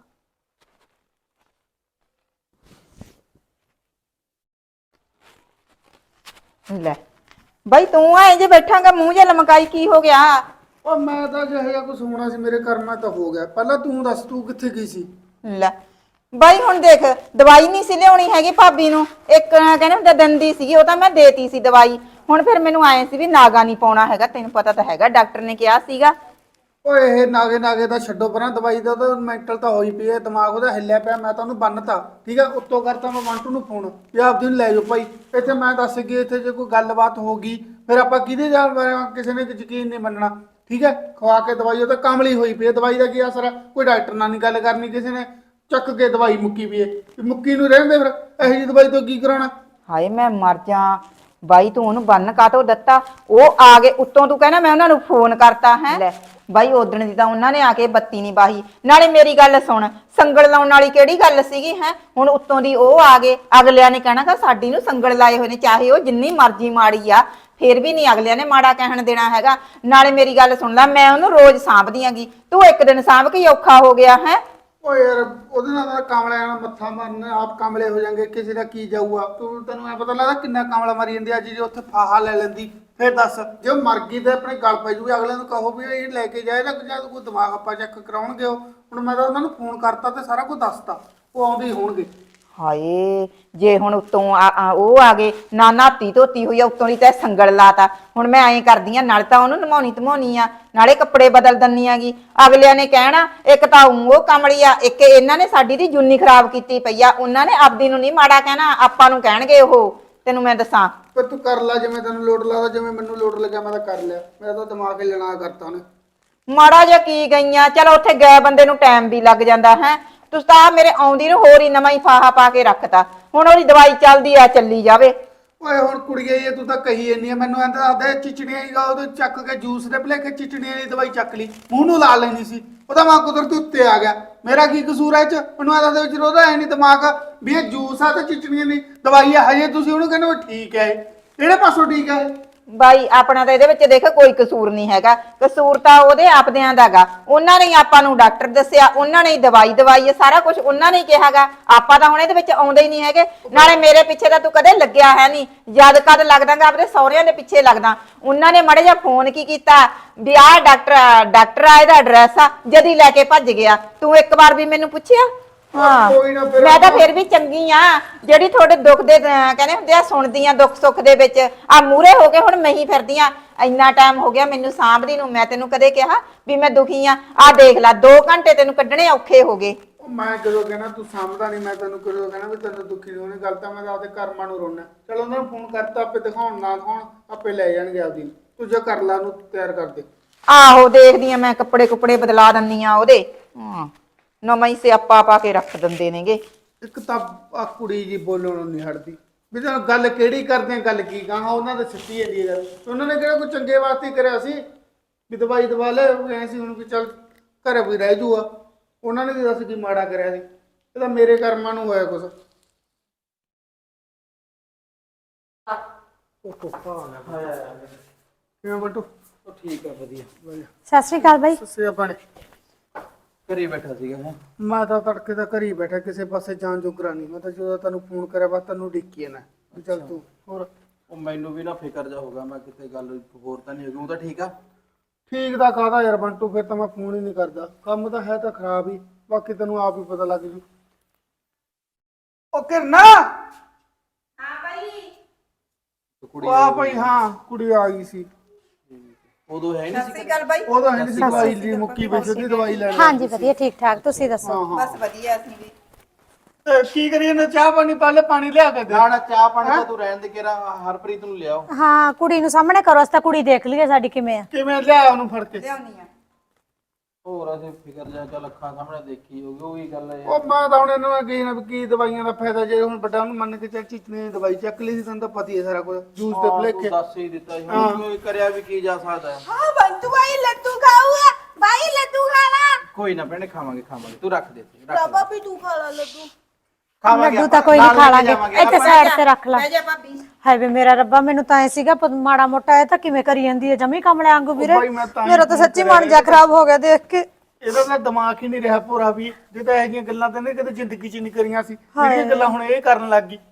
Speaker 1: ਲੈ ਬਾਈ ਤੂੰ ਆਏ ਜੇ ਬੈਠਾਂਗਾ ਮੂੰਹ ਜਿਹਾ ਲਮਕਾਈ, ਕੀ ਹੋ ਗਿਆ?
Speaker 4: ਉਹ ਮੈਂ ਤਾਂ ਜਿਹੋ ਜਿਹਾ ਕੁਝ ਹੋਣਾ ਸੀ ਮੇਰੇ ਕਰਮਾਂ ਤਾਂ ਹੋ ਗਿਆ। ਪਹਿਲਾਂ ਤੂੰ ਦੱਸ, ਤੂੰ ਕਿੱਥੇ ਗਈ ਸੀ?
Speaker 1: ਲੈ ਬਾਈ ਹੁਣ ਦੇਖ, ਦਵਾਈ ਨਹੀਂ ਸੀ ਲਿਆਉਣੀ ਹੈਗੀ ਭਾਬੀ ਨੂੰ, ਇੱਕ ਕਹਿੰਦੇ ਹੁੰਦੇ ਦੰਦੀ ਸੀਗੀ, ਉਹ ਤਾਂ ਮੈਂ ਦੇਤੀ ਸੀ ਦਵਾਈ। ਹੁਣ ਫਿਰ ਮੈਨੂੰ ਆਏ ਸੀ ਵੀ ਨਾਗਾ ਨਹੀਂ ਪਾਉਣਾ ਹੈਗਾ, ਤੈਨੂੰ ਪਤਾ ਤਾਂ ਹੈਗਾ ਡਾਕਟਰ ਨੇ ਕਿਹਾ ਸੀਗਾ।
Speaker 4: ਓਏ ਇਹ ਨਾਗੇ ਨਾਗੇ ਦਾ ਛੱਡੋ ਪਰਾਂ, ਦਵਾਈ ਦਾ ਤਾਂ ਮੈਂਟਲ ਤਾਂ ਹੋਈ ਪਈ ਹੈ, ਦਿਮਾਗ ਉਹਦਾ ਹਿੱਲਿਆ ਪਿਆ। ਮੈਂ ਤਾਂ ਉਹਨੂੰ ਬੰਨਤਾ ਠੀਕ ਹੈ, ਉੱਤੋਂ ਕਰਤਾ ਮੈਂ ਮੰਟੂ ਨੂੰ ਫੋਨ ਵੀ ਆਪਦੀ ਨੂੰ ਲੈ ਜਾਓ ਭਾਈ ਇੱਥੇ। ਮੈਂ ਦੱਸ ਗਈ ਇੱਥੇ ਜੇ ਕੋਈ ਗੱਲਬਾਤ ਹੋ ਗਈ ਫਿਰ ਆਪਾਂ ਕਿਹਦੇ ਜਾਣ, ਕਿਸੇ ਨੇ ਯਕੀਨ ਨਹੀਂ ਮੰਨਣਾ ਠੀਕ ਹੈ। ਖਵਾ ਕੇ ਦਵਾਈ ਉਹ ਤਾਂ ਕਮਲੀ ਹੋਈ ਪਈ ਹੈ, ਦਵਾਈ ਦਾ ਕੀ ਅਸਰ ਹੈ? ਕੋਈ ਡਾਕਟਰ ਨਾਲ ਨਹੀਂ ਗੱਲ ਕਰਨੀ, ਕਿਸੇ ਨੇ ਚੱਕ ਕੇ ਦਵਾਈ ਮੁੱਕੀ ਵੀ ਹੈ, ਮੁੱਕੀ ਨੂੰ ਰਹਿੰਦੇ ਫਿਰ ਇਹੋ ਜਿਹੀ ਦਵਾਈ ਤੋਂ ਕੀ ਕਰਾਉਣਾ?
Speaker 1: ਹਾਏ ਮੈਂ ਮਰ ਜਾ ਬਾਈ, ਤੂੰ ਉਹਨੂੰ ਬੰਨ ਕਾਤੋਂ ਦਿੱਤਾ? ਉਹ ਆ ਗਏ ਉੱਤੋਂ, ਤੂੰ ਕਹਿੰਦਾ ਮੈਂ ਉਹਨਾਂ ਨੂੰ ਫੋਨ ਕਰਤਾ ਹੈ। ਲੈ ਬਾਈ ਉਦਣ ਦੀ ਤਾਂ ਉਹਨਾਂ ਨੇ ਆ ਕੇ ਬੱਤੀ ਨਹੀਂ ਬਾਹੀ। ਨਾਲੇ ਮੇਰੀ ਗੱਲ ਸੁਣ, ਸੰਗਲ ਲਾਉਣ ਵਾਲੀ ਕਿਹੜੀ ਗੱਲ ਸੀਗੀ ਹੈ? ਹੁਣ ਉੱਤੋਂ ਦੀ ਉਹ ਆ ਗਏ, ਅਗਲਿਆਂ ਨੇ ਕਹਿਣਾ ਸਾਡੀ ਨੂੰ ਸੰਗਲ ਲਾਏ ਹੋਏ ਨੇ, ਚਾਹੇ ਉਹ ਜਿੰਨੀ ਮਰਜ਼ੀ ਮਾੜੀ ਆ ਫੇਰ ਵੀ ਨਹੀਂ ਅਗਲਿਆਂ ਨੇ ਮਾੜਾ ਕਹਿਣ ਦੇਣਾ ਹੈਗਾ। ਨਾਲੇ ਮੇਰੀ ਗੱਲ ਸੁਣ ਲੈ, ਮੈਂ ਉਹਨੂੰ ਰੋਜ਼ ਸਾਂਭਦੀ ਆਂਗੀ, ਤੂੰ ਇੱਕ ਦਿਨ ਸਾਂਭ ਕੇ ਔਖਾ ਹੋ ਗਿਆ ਹੈ।
Speaker 4: ਓ ਯਾਰ ਉਹਦੇ ਨਾਲ ਤਾਂ ਕਮਲਿਆਂ ਨਾਲ ਮੱਥਾ ਮਾਰਨ, ਆਪ ਕਮਲੇ ਹੋ ਜਾਣਗੇ, ਕਿਸੇ ਦਾ ਕੀ ਜਾਊਗਾ? ਤੈਨੂੰ ਐ ਪਤਾ ਲੱਗਦਾ ਕਿੰਨਾ ਕਮਲਾ ਮਰੀ ਜਾਂਦੀ ਅੱਜ, ਜੇ ਉੱਥੇ ਫਾਹਾ ਲੈ ਲੈਂਦੀ ਫਿਰ ਦੱਸ, ਜੇ ਉਹ ਮਰ ਗਈ ਤੇ ਆਪਣੇ ਗਲ ਪੈ ਜੂਗੀ, ਅਗਲੇ ਨੂੰ ਕਹੋ ਵੀ ਇਹ ਲੈ ਕੇ ਜਾਏ ਨਾ, ਜਦ ਕੋਈ ਦਿਮਾਗ ਆਪਾਂ ਚੈੱਕ ਕਰਾਉਣਗੇ। ਉਹ ਹੁਣ ਮੈਂ ਤਾਂ ਉਹਨਾਂ ਨੂੰ ਫੋਨ ਕਰਤਾ ਤੇ ਸਾਰਾ ਕੁਝ ਦੱਸਤਾ, ਉਹ ਆਉਂਦੇ ਹੀ ਹੋਣਗੇ।
Speaker 1: ਹਾਏ ਜੇ ਹੁਣ ਉੱਤੋਂ ਉਹ ਆ ਗਏ, ਨਾ ਨਾਤੀ ਧੋਤੀ ਹੋਈ ਆ, ਉੱਤੋਂ ਦੀ ਤੈ ਸੰਗਲ ਲਾਤਾ। ਹੁਣ ਮੈਂ ਐਂ ਕਰਦੀ ਆ, ਨਾਲੇ ਤਾਂ ਉਹਨੂੰ ਨਮਾਉਣੀ ਧਮਾਉਣੀ ਆ, ਨਾਲੇ ਕੱਪੜੇ ਬਦਲ ਦਿੰਨੀ ਆਗੀ। ਅਗਲਿਆਂ ਨੇ ਕਹਿਣਾ ਇੱਕ ਤਾਂ ਉਹ ਕਮਲੀ ਆ, ਇੱਕ ਇਹਨਾਂ ਨੇ ਸਾਡੀ ਦੀ ਜੁੰਨੀ ਖਰਾਬ ਕੀਤੀ ਪਈ ਆ। ਉਹਨਾਂ ਨੇ ਆਪਦੀ ਨੂੰ ਨਹੀਂ ਮਾੜਾ ਕਹਿਣਾ, ਆਪਾਂ ਨੂੰ ਕਹਿਣਗੇ ਉਹ। ਤੈਨੂੰ ਮੈਂ ਦੱਸਾਂ,
Speaker 4: ਪਰ ਤੂੰ ਕਰ ਲੈ ਜਿਵੇਂ ਤੈਨੂੰ ਲੋੜ ਲੱਗਦਾ, ਜਿਵੇਂ ਮੈਨੂੰ ਲੋੜ ਲੱਗਿਆ ਮੈਂ ਤਾਂ ਕਰ ਲਿਆ। ਮੇਰਾ ਤਾਂ ਦਿਮਾਗ ਹੀ ਲੈਣਾ ਕਰਤਾ ਉਹਨੇ।
Speaker 1: ਮਾੜਾ ਜਿਹਾ ਕੀ ਗਈਆਂ, ਚਲੋ ਉੱਥੇ ਗਏ ਬੰਦੇ ਨੂੰ ਟਾਈਮ ਵੀ ਲੱਗ ਜਾਂਦਾ ਹੈ। ਤੁਸੀਂ ਤਾਂ ਮੇਰੇ ਆਉਂਦੀ ਨੂੰ ਹੋਰ ਹੀ ਨਵਾਂ ਹੀ ਫਾਹਾ ਪਾ ਕੇ ਰੱਖਤਾ। ਹੁਣ ਉਹਦੀ ਦਵਾਈ ਚੱਲਦੀ ਆ, ਚੱਲੀ ਜਾਵੇ।
Speaker 4: ਓਏ ਹੁਣ ਕੁੜੀਏ ਇਹ ਤੂੰ ਤਾਂ ਕਹੀ ਜਾਂਦੀ ਆ, ਮੈਨੂੰ ਐਂਦਾ ਆਦੇ ਚਿਚੜੀਆਂ ਹੀ ਉਹਦੇ ਚੱਕ ਕੇ ਜੂਸ ਦੇ ਭਲੇਖੇ ਚਿਚੜੀਆਂ ਦੀ ਦਵਾਈ ਚੱਕ ਲਈ, ਮੂੰਹ ਨੂੰ ਲਾ ਲੈਣੀ ਸੀ। ਉਹਦਾ ਮਾਂ ਕੁਦਰਤੀ ਉੱਤੇ ਆ ਗਿਆ, ਮੇਰਾ ਕੀ ਕਸੂਰ ਹੈ ਇਹ ਚ? ਮੈਨੂੰ ਐਂ ਦੇ ਵਿੱਚ ਉਹਦਾ ਐ ਨਹੀਂ ਦਿਮਾਗ ਵੀ ਇਹ ਜੂਸ ਆ ਤੇ ਚਿਚੜੀਆਂ ਦੀ ਦਵਾਈ ਆ। ਹਜੇ ਤੁਸੀਂ ਉਹਨੂੰ ਕਹਿੰਦੇ ਠੀਕ ਹੈ, ਕਿਹੜੇ ਪਾਸੋਂ ਠੀਕ ਹੈ?
Speaker 1: ਬਾਈ ਆਪਣਾ ਤਾਂ ਇਹਦੇ ਵਿੱਚ ਦੇਖ ਕੋਈ ਕਸੂਰ ਨਹੀਂ ਹੈਗਾ, ਕਸੂਰ ਤਾਂ ਉਹਦੇ ਆਪਦਿਆਂ ਦਾਗਾ। ਉਹਨਾਂ ਨੇ ਆਪਾਂ ਨੂੰ ਡਾਕਟਰ ਦੱਸਿਆ, ਉਹਨਾਂ ਨੇ ਦਵਾਈ ਦਵਾਈ ਹੈ, ਸਾਰਾ ਕੁਝ ਉਹਨਾਂ ਨੇ ਕਿਹਾਗਾ। ਆਪਾਂ ਤਾਂ ਹੁਣ ਇਹਦੇ ਵਿੱਚ ਆਉਂਦੇ ਹੀ ਨਹੀਂ ਹੈਗੇ। ਨਾਲੇ ਮੇਰੇ ਪਿੱਛੇ ਤਾਂ ਤੂੰ ਕਦੇ ਲੱਗਿਆ ਹੈ ਨਹੀਂ, ਜਦ ਕਦ ਲੱਗਦਾਗਾ ਆਪਣੇ ਸਹੁਰਿਆਂ ਦੇ ਪਿੱਛੇ ਲੱਗਦਾ। ਉਹਨਾਂ ਨੇ ਮਾੜੇ ਜਿਹਾ ਫੋਨ ਕੀ ਕੀਤਾ ਵੀ ਆਹ ਡਾਕਟਰ ਆ, ਇਹਦਾ ਐਡਰੈਸ ਆ, ਜਦੀ ਲੈ ਕੇ ਭੱਜ ਗਿਆ। ਤੂੰ ਇੱਕ ਵਾਰ ਵੀ ਮੈਨੂੰ ਪੁੱਛਿਆ? ਹਾਂ
Speaker 4: ਕੋਈ ਨਾ ਫਿਰ
Speaker 1: ਮੈਂ ਤਾਂ ਫਿਰ ਵੀ ਚੰਗੀ ਆ ਜਿਹੜੀ ਤੁਹਾਡੇ ਦੁੱਖ ਦੇ ਕਹਿੰਦੇ ਹੁੰਦੇ ਆ ਸੁਣਦੀ ਆ ਦੁੱਖ ਸੁੱਖ ਦੇ ਵਿੱਚ ਆ ਮੂਰੇ ਹੋ ਕੇ ਹੁਣ ਮੈਂ ਹੀ ਫਿਰਦੀ ਆ ਇੰਨਾ ਟਾਈਮ ਹੋ ਗਿਆ ਮੈਨੂੰ ਸਾਂਭਦੀ ਨੂੰ ਮੈਂ ਤੈਨੂੰ ਕਦੇ ਕਿਹਾ ਵੀ ਮੈਂ ਦੁਖੀ ਆ ਦੇਖ ਲੈ 2 ਘੰਟੇ ਤੈਨੂੰ ਕੱਢਣੇ ਔਖੇ ਹੋ ਗਏ
Speaker 4: ਉਹ ਮੈਂ ਕਦੋਂ ਕਹਿਣਾ ਤੂੰ ਸਮਝਦਾ ਨਹੀਂ ਮੈਂ ਤੈਨੂੰ ਕਦੋਂ ਕਹਿਣਾ ਵੀ ਤੈਨੂੰ ਦੁੱਖੀ ਨਹੀਂ ਹੋਣੀ ਗੱਲ ਤਾਂ ਮੈਂ ਤਾਂ ਆਪਦੇ ਕਰਮਾਂ ਨੂੰ ਰੋਣਾ ਚਲ ਉਹਨਾਂ ਨੂੰ ਫੋਨ ਕਰਤਾ ਆਪੇ ਦਿਖਾਉਣ ਨਾ ਦਿਖਾਉਣ ਆਪੇ ਲੈ ਜਾਣਗੇ ਆਪਦੀ ਤੂੰ ਜੇ ਕਰ ਲਾ ਨੂੰ ਤਿਆਰ ਕਰ ਦੇ
Speaker 1: ਆਹੋ ਦੇਖਦੀ ਆ ਮੈਂ ਕੱਪੜੇ ਬਦਲਾ ਦਿੰਨੀ ਆ ਉਹਦੇ ਹਾਂ ਨਵਾਂ ਹੀ ਸਿਆਪਾ ਪਾ ਕੇ ਰੱਖ ਦਿੰਦੇ ਨੇਗੇ
Speaker 4: ਇੱਕ ਤਾਂ ਆ ਕੁੜੀ ਜੀ ਬੋਲਣੋਂ ਨਹੀਂ ਹਟਦੀ ਵੀ ਤਾਂ ਗੱਲ ਕਿਹੜੀ ਕਰਦੇ ਆ ਗੱਲ ਕੀ ਕਹਾਂ ਉਹਨਾਂ ਦੇ ਸੱਚੀ ਜਾਂਦੀ ਹੈ ਗੱਲ ਉਹਨਾਂ ਨੇ ਕਿਹੜਾ ਕੋਈ ਚੰਗੇ ਵਾਸਤੇ ਹੀ ਕਰਿਆ ਸੀ ਵੀ ਦਵਾਈ ਦਵਾ ਲੈ ਐ ਸੀ ਹੁਣ ਵੀ ਚੱਲ ਘਰੇ ਵੀ ਰਹਿ ਜੂਗਾ ਉਹਨਾਂ ਨੇ ਵੀ ਦੱਸ ਕੀ ਮਾੜਾ ਕਰਿਆ ਸੀ ਇਹ ਤਾਂ ਮੇਰੇ ਕਰਮਾਂ ਨੂੰ ਹੋਇਆ ਕੁਛ ਕਿਵੇਂ ਬੰਟੂ
Speaker 5: ਉਹ ਠੀਕ ਆ ਵਧੀਆ
Speaker 6: ਸਤਿ ਸ਼੍ਰੀ ਅਕਾਲ ਬਾਈ
Speaker 4: ਸੱਸੇ ਆਪਣੇ
Speaker 5: ਘਰੇ ਬੈਠਾ ਸੀਗਾ ਮੈਂ
Speaker 4: ਮੈਂ ਤਾਂ ਤੜਕੇ ਦਾ ਘਰ ਹੀ ਬੈਠਾ ਕਿਸੇ ਪਾਸੇ ਜਾਣ ਜੋਗਰਾ ਨਹੀਂ ਮੈਂ ਤਾਂ ਜਦੋਂ ਤੈਨੂੰ ਫੋਨ ਕਰਿਆ ਬਸ ਤੈਨੂੰ ਡਿੱਕੀ ਨਾ ਵੀ ਚੱਲ ਤੂੰ ਹੋਰ
Speaker 5: ਉਹ ਮੈਨੂੰ ਵੀ ਨਾ ਫਿਕਰ ਜਾ ਹੋਗਾ ਮੈਂ ਕਿਤੇ ਗੱਲ ਹੋਰ ਤਾਂ ਨਹੀਂ ਹੋਗੀ ਉਹ ਤਾਂ ਠੀਕ ਆ
Speaker 4: ਠੀਕ ਦਾ ਕਾਹਦਾ ਯਾਰ ਬੰਟੂ ਫਿਰ ਤਾਂ ਮੈਂ ਫੋਨ ਹੀ ਨਹੀਂ ਕਰਦਾ ਕੰਮ ਤਾਂ ਹੈ ਤਾਂ ਖਰਾਬ ਹੀ ਬਾਕੀ ਤੈਨੂੰ ਆਪ ਹੀ ਪਤਾ ਲੱਗ ਜੂ ਉਹ ਕਿਰਨਾ
Speaker 5: ਕੁੜੀ
Speaker 4: ਉਹ ਆ ਭਾਈ ਹਾਂ ਕੁੜੀ ਆ ਗਈ ਸੀ
Speaker 5: ਉਦੋਂ ਹੈ ਨਹੀਂ ਸੀ
Speaker 1: ਸਤਿ ਗੱਲ ਬਾਈ
Speaker 4: ਉਹਦਾ ਹੈ ਨਹੀਂ ਸੀ ਦਵਾਈ ਲਈ ਮੁੱਕੀ ਵਿੱਚ ਉਹਦੀ ਦਵਾਈ ਲੈਣ
Speaker 6: ਹਾਂਜੀ ਵਧੀਆ ਠੀਕ ਠਾਕ ਤੁਸੀਂ ਦੱਸੋ
Speaker 1: ਬਸ ਵਧੀਆ ਅਸੀਂ ਵੀ
Speaker 4: ਤੇ ਕੀ ਕਰੀਏ ਨਾ ਚਾਹ ਪਾਣੀ ਪਹਿਲੇ ਪਾਣੀ ਲਿਆ ਕੇ ਦੇ
Speaker 5: ਨਾ ਚਾਹ ਪਾਣੀ ਤਾਂ ਤੂੰ ਰਹਿਣ ਦੇ ਕੇਰਾ ਹਰਪ੍ਰੀਤ ਨੂੰ ਲਿਆਓ
Speaker 6: ਹਾਂ ਕੁੜੀ ਨੂੰ ਸਾਹਮਣੇ ਕਰੋ ਅਸੀਂ ਤਾਂ ਕੁੜੀ ਦੇਖ ਲਈਏ ਸਾਡੀ ਕਿਵੇਂ ਆ
Speaker 4: ਕਿਵੇਂ ਲਿਆ ਉਹਨੂੰ ਫੜ ਕੇ
Speaker 1: ਲਿਆਉਣੀ ਆ
Speaker 5: ਹੋਰ ਅਸੀਂ ਫਿਕਰ ਜਾ ਚੱਲ ਅੱਖਾਂ ਸਾਹਮਣੇ ਦੇਖੀ ਹੋਗੀ ਉਹੀ ਗੱਲ ਹੈ
Speaker 4: ਉਹ ਮੈਂ ਤਾਂ ਹੁਣ ਇਹਨੂੰ ਕਹੀ ਨਾ ਵੀ ਕੀ ਦਵਾਈਆਂ ਦਾ ਫਾਇਦਾ ਜੇ ਹੁਣ ਵੱਡਾ ਉਹਨੂੰ ਮੰਨ ਕੇ ਚੱਲ ਚੀਚਨੇ ਦੀ ਦਵਾਈ ਚੱਕ ਲਈ ਸੀ ਤੈਨੂੰ ਤਾਂ ਪਤਾ ਹੀ ਹੈ ਸਾਰਾ ਕੁਝ ਜੂਸ ਦੇ
Speaker 5: ਤੂੰ
Speaker 4: ਭਲੇਖੇ
Speaker 5: ਦੱਸ ਹੀ ਦਿੱਤਾ ਸੀ ਹੁਣ ਕੋਈ ਕਰਿਆ ਵੀ ਕੀ ਜਾ ਸਕਦਾ ਹੈ
Speaker 1: ਹਾਂ ਬੰਤੂ ਬਾਈ ਲੱਡੂ ਖਾਊਗਾ ਬਾਈ ਲੱਡੂ ਖਾਣਾ
Speaker 5: ਕੋਈ ਨਾ ਭੈਣੇ ਖਾਵਾਂਗੇ ਤੂੰ ਰੱਖ ਦੇ ਇੱਥੇ, ਰੱਖ ਦੇ।
Speaker 1: ਵੀ ਤੂੰ ਖਾ ਲੈ ਲੱਡੂ
Speaker 5: ਖਾਵਾਂਗੇ
Speaker 6: ਲੱਡੂ ਤਾਂ
Speaker 5: ਆਪਾਂ,
Speaker 6: ਕੋਈ ਨਹੀਂ
Speaker 5: ਨਾਲ
Speaker 6: ਖਾ
Speaker 5: ਲੈ
Speaker 6: ਲਾਂਗੇ
Speaker 5: ਜਾਵਾਂਗੇ
Speaker 6: ਇੱਥੇ
Speaker 5: ਆਪਾਂ।
Speaker 6: ਸਾਈਡ ਤੇ ਰੱਖ ਲਾ
Speaker 1: ਲੈ ਜਾ ਭਾਬੀ
Speaker 6: ਹਾਏ ਵੇ ਮੇਰਾ ਰੱਬਾ ਮੈਨੂੰ ਤਾਂ ਐ ਸੀਗਾ ਮਾੜਾ ਮੋਟਾ ਇਹ ਤਾਂ ਕਿਵੇਂ ਕਰੀ ਜਾਂਦੀ ਹੈ ਜਮੀ ਕਮਲੇ ਵਾਂਗੂ ਵੀਰੇ
Speaker 4: ਬਾਈ ਮੈਂ ਤਾਂ ਹੀ
Speaker 6: ਮੇਰਾ ਤਾਂ ਸੱਚੀ ਮਨ ਜਾ ਖਰਾਬ ਹੋ ਗਿਆ ਦੇਖ ਕੇ
Speaker 4: ਇਹਦਾ ਤਾਂ ਦਿਮਾਗ ਹੀ ਨਹੀਂ ਰਿਹਾ ਪੂਰਾ ਵੀ ਜੇ ਤਾਂ ਇਹੋ ਜਿਹੀਆਂ ਗੱਲਾਂ ਤਾਂ ਨਹੀਂ ਕਦੇ ਜ਼ਿੰਦਗੀ 'ਚ ਨਹੀਂ ਕਰੀਆਂ ਸੀ ਜਿਹੜੀਆਂ ਗੱਲਾਂ ਹੁਣ ਇਹ ਕਰਨ ਲੱਗ ਗਈ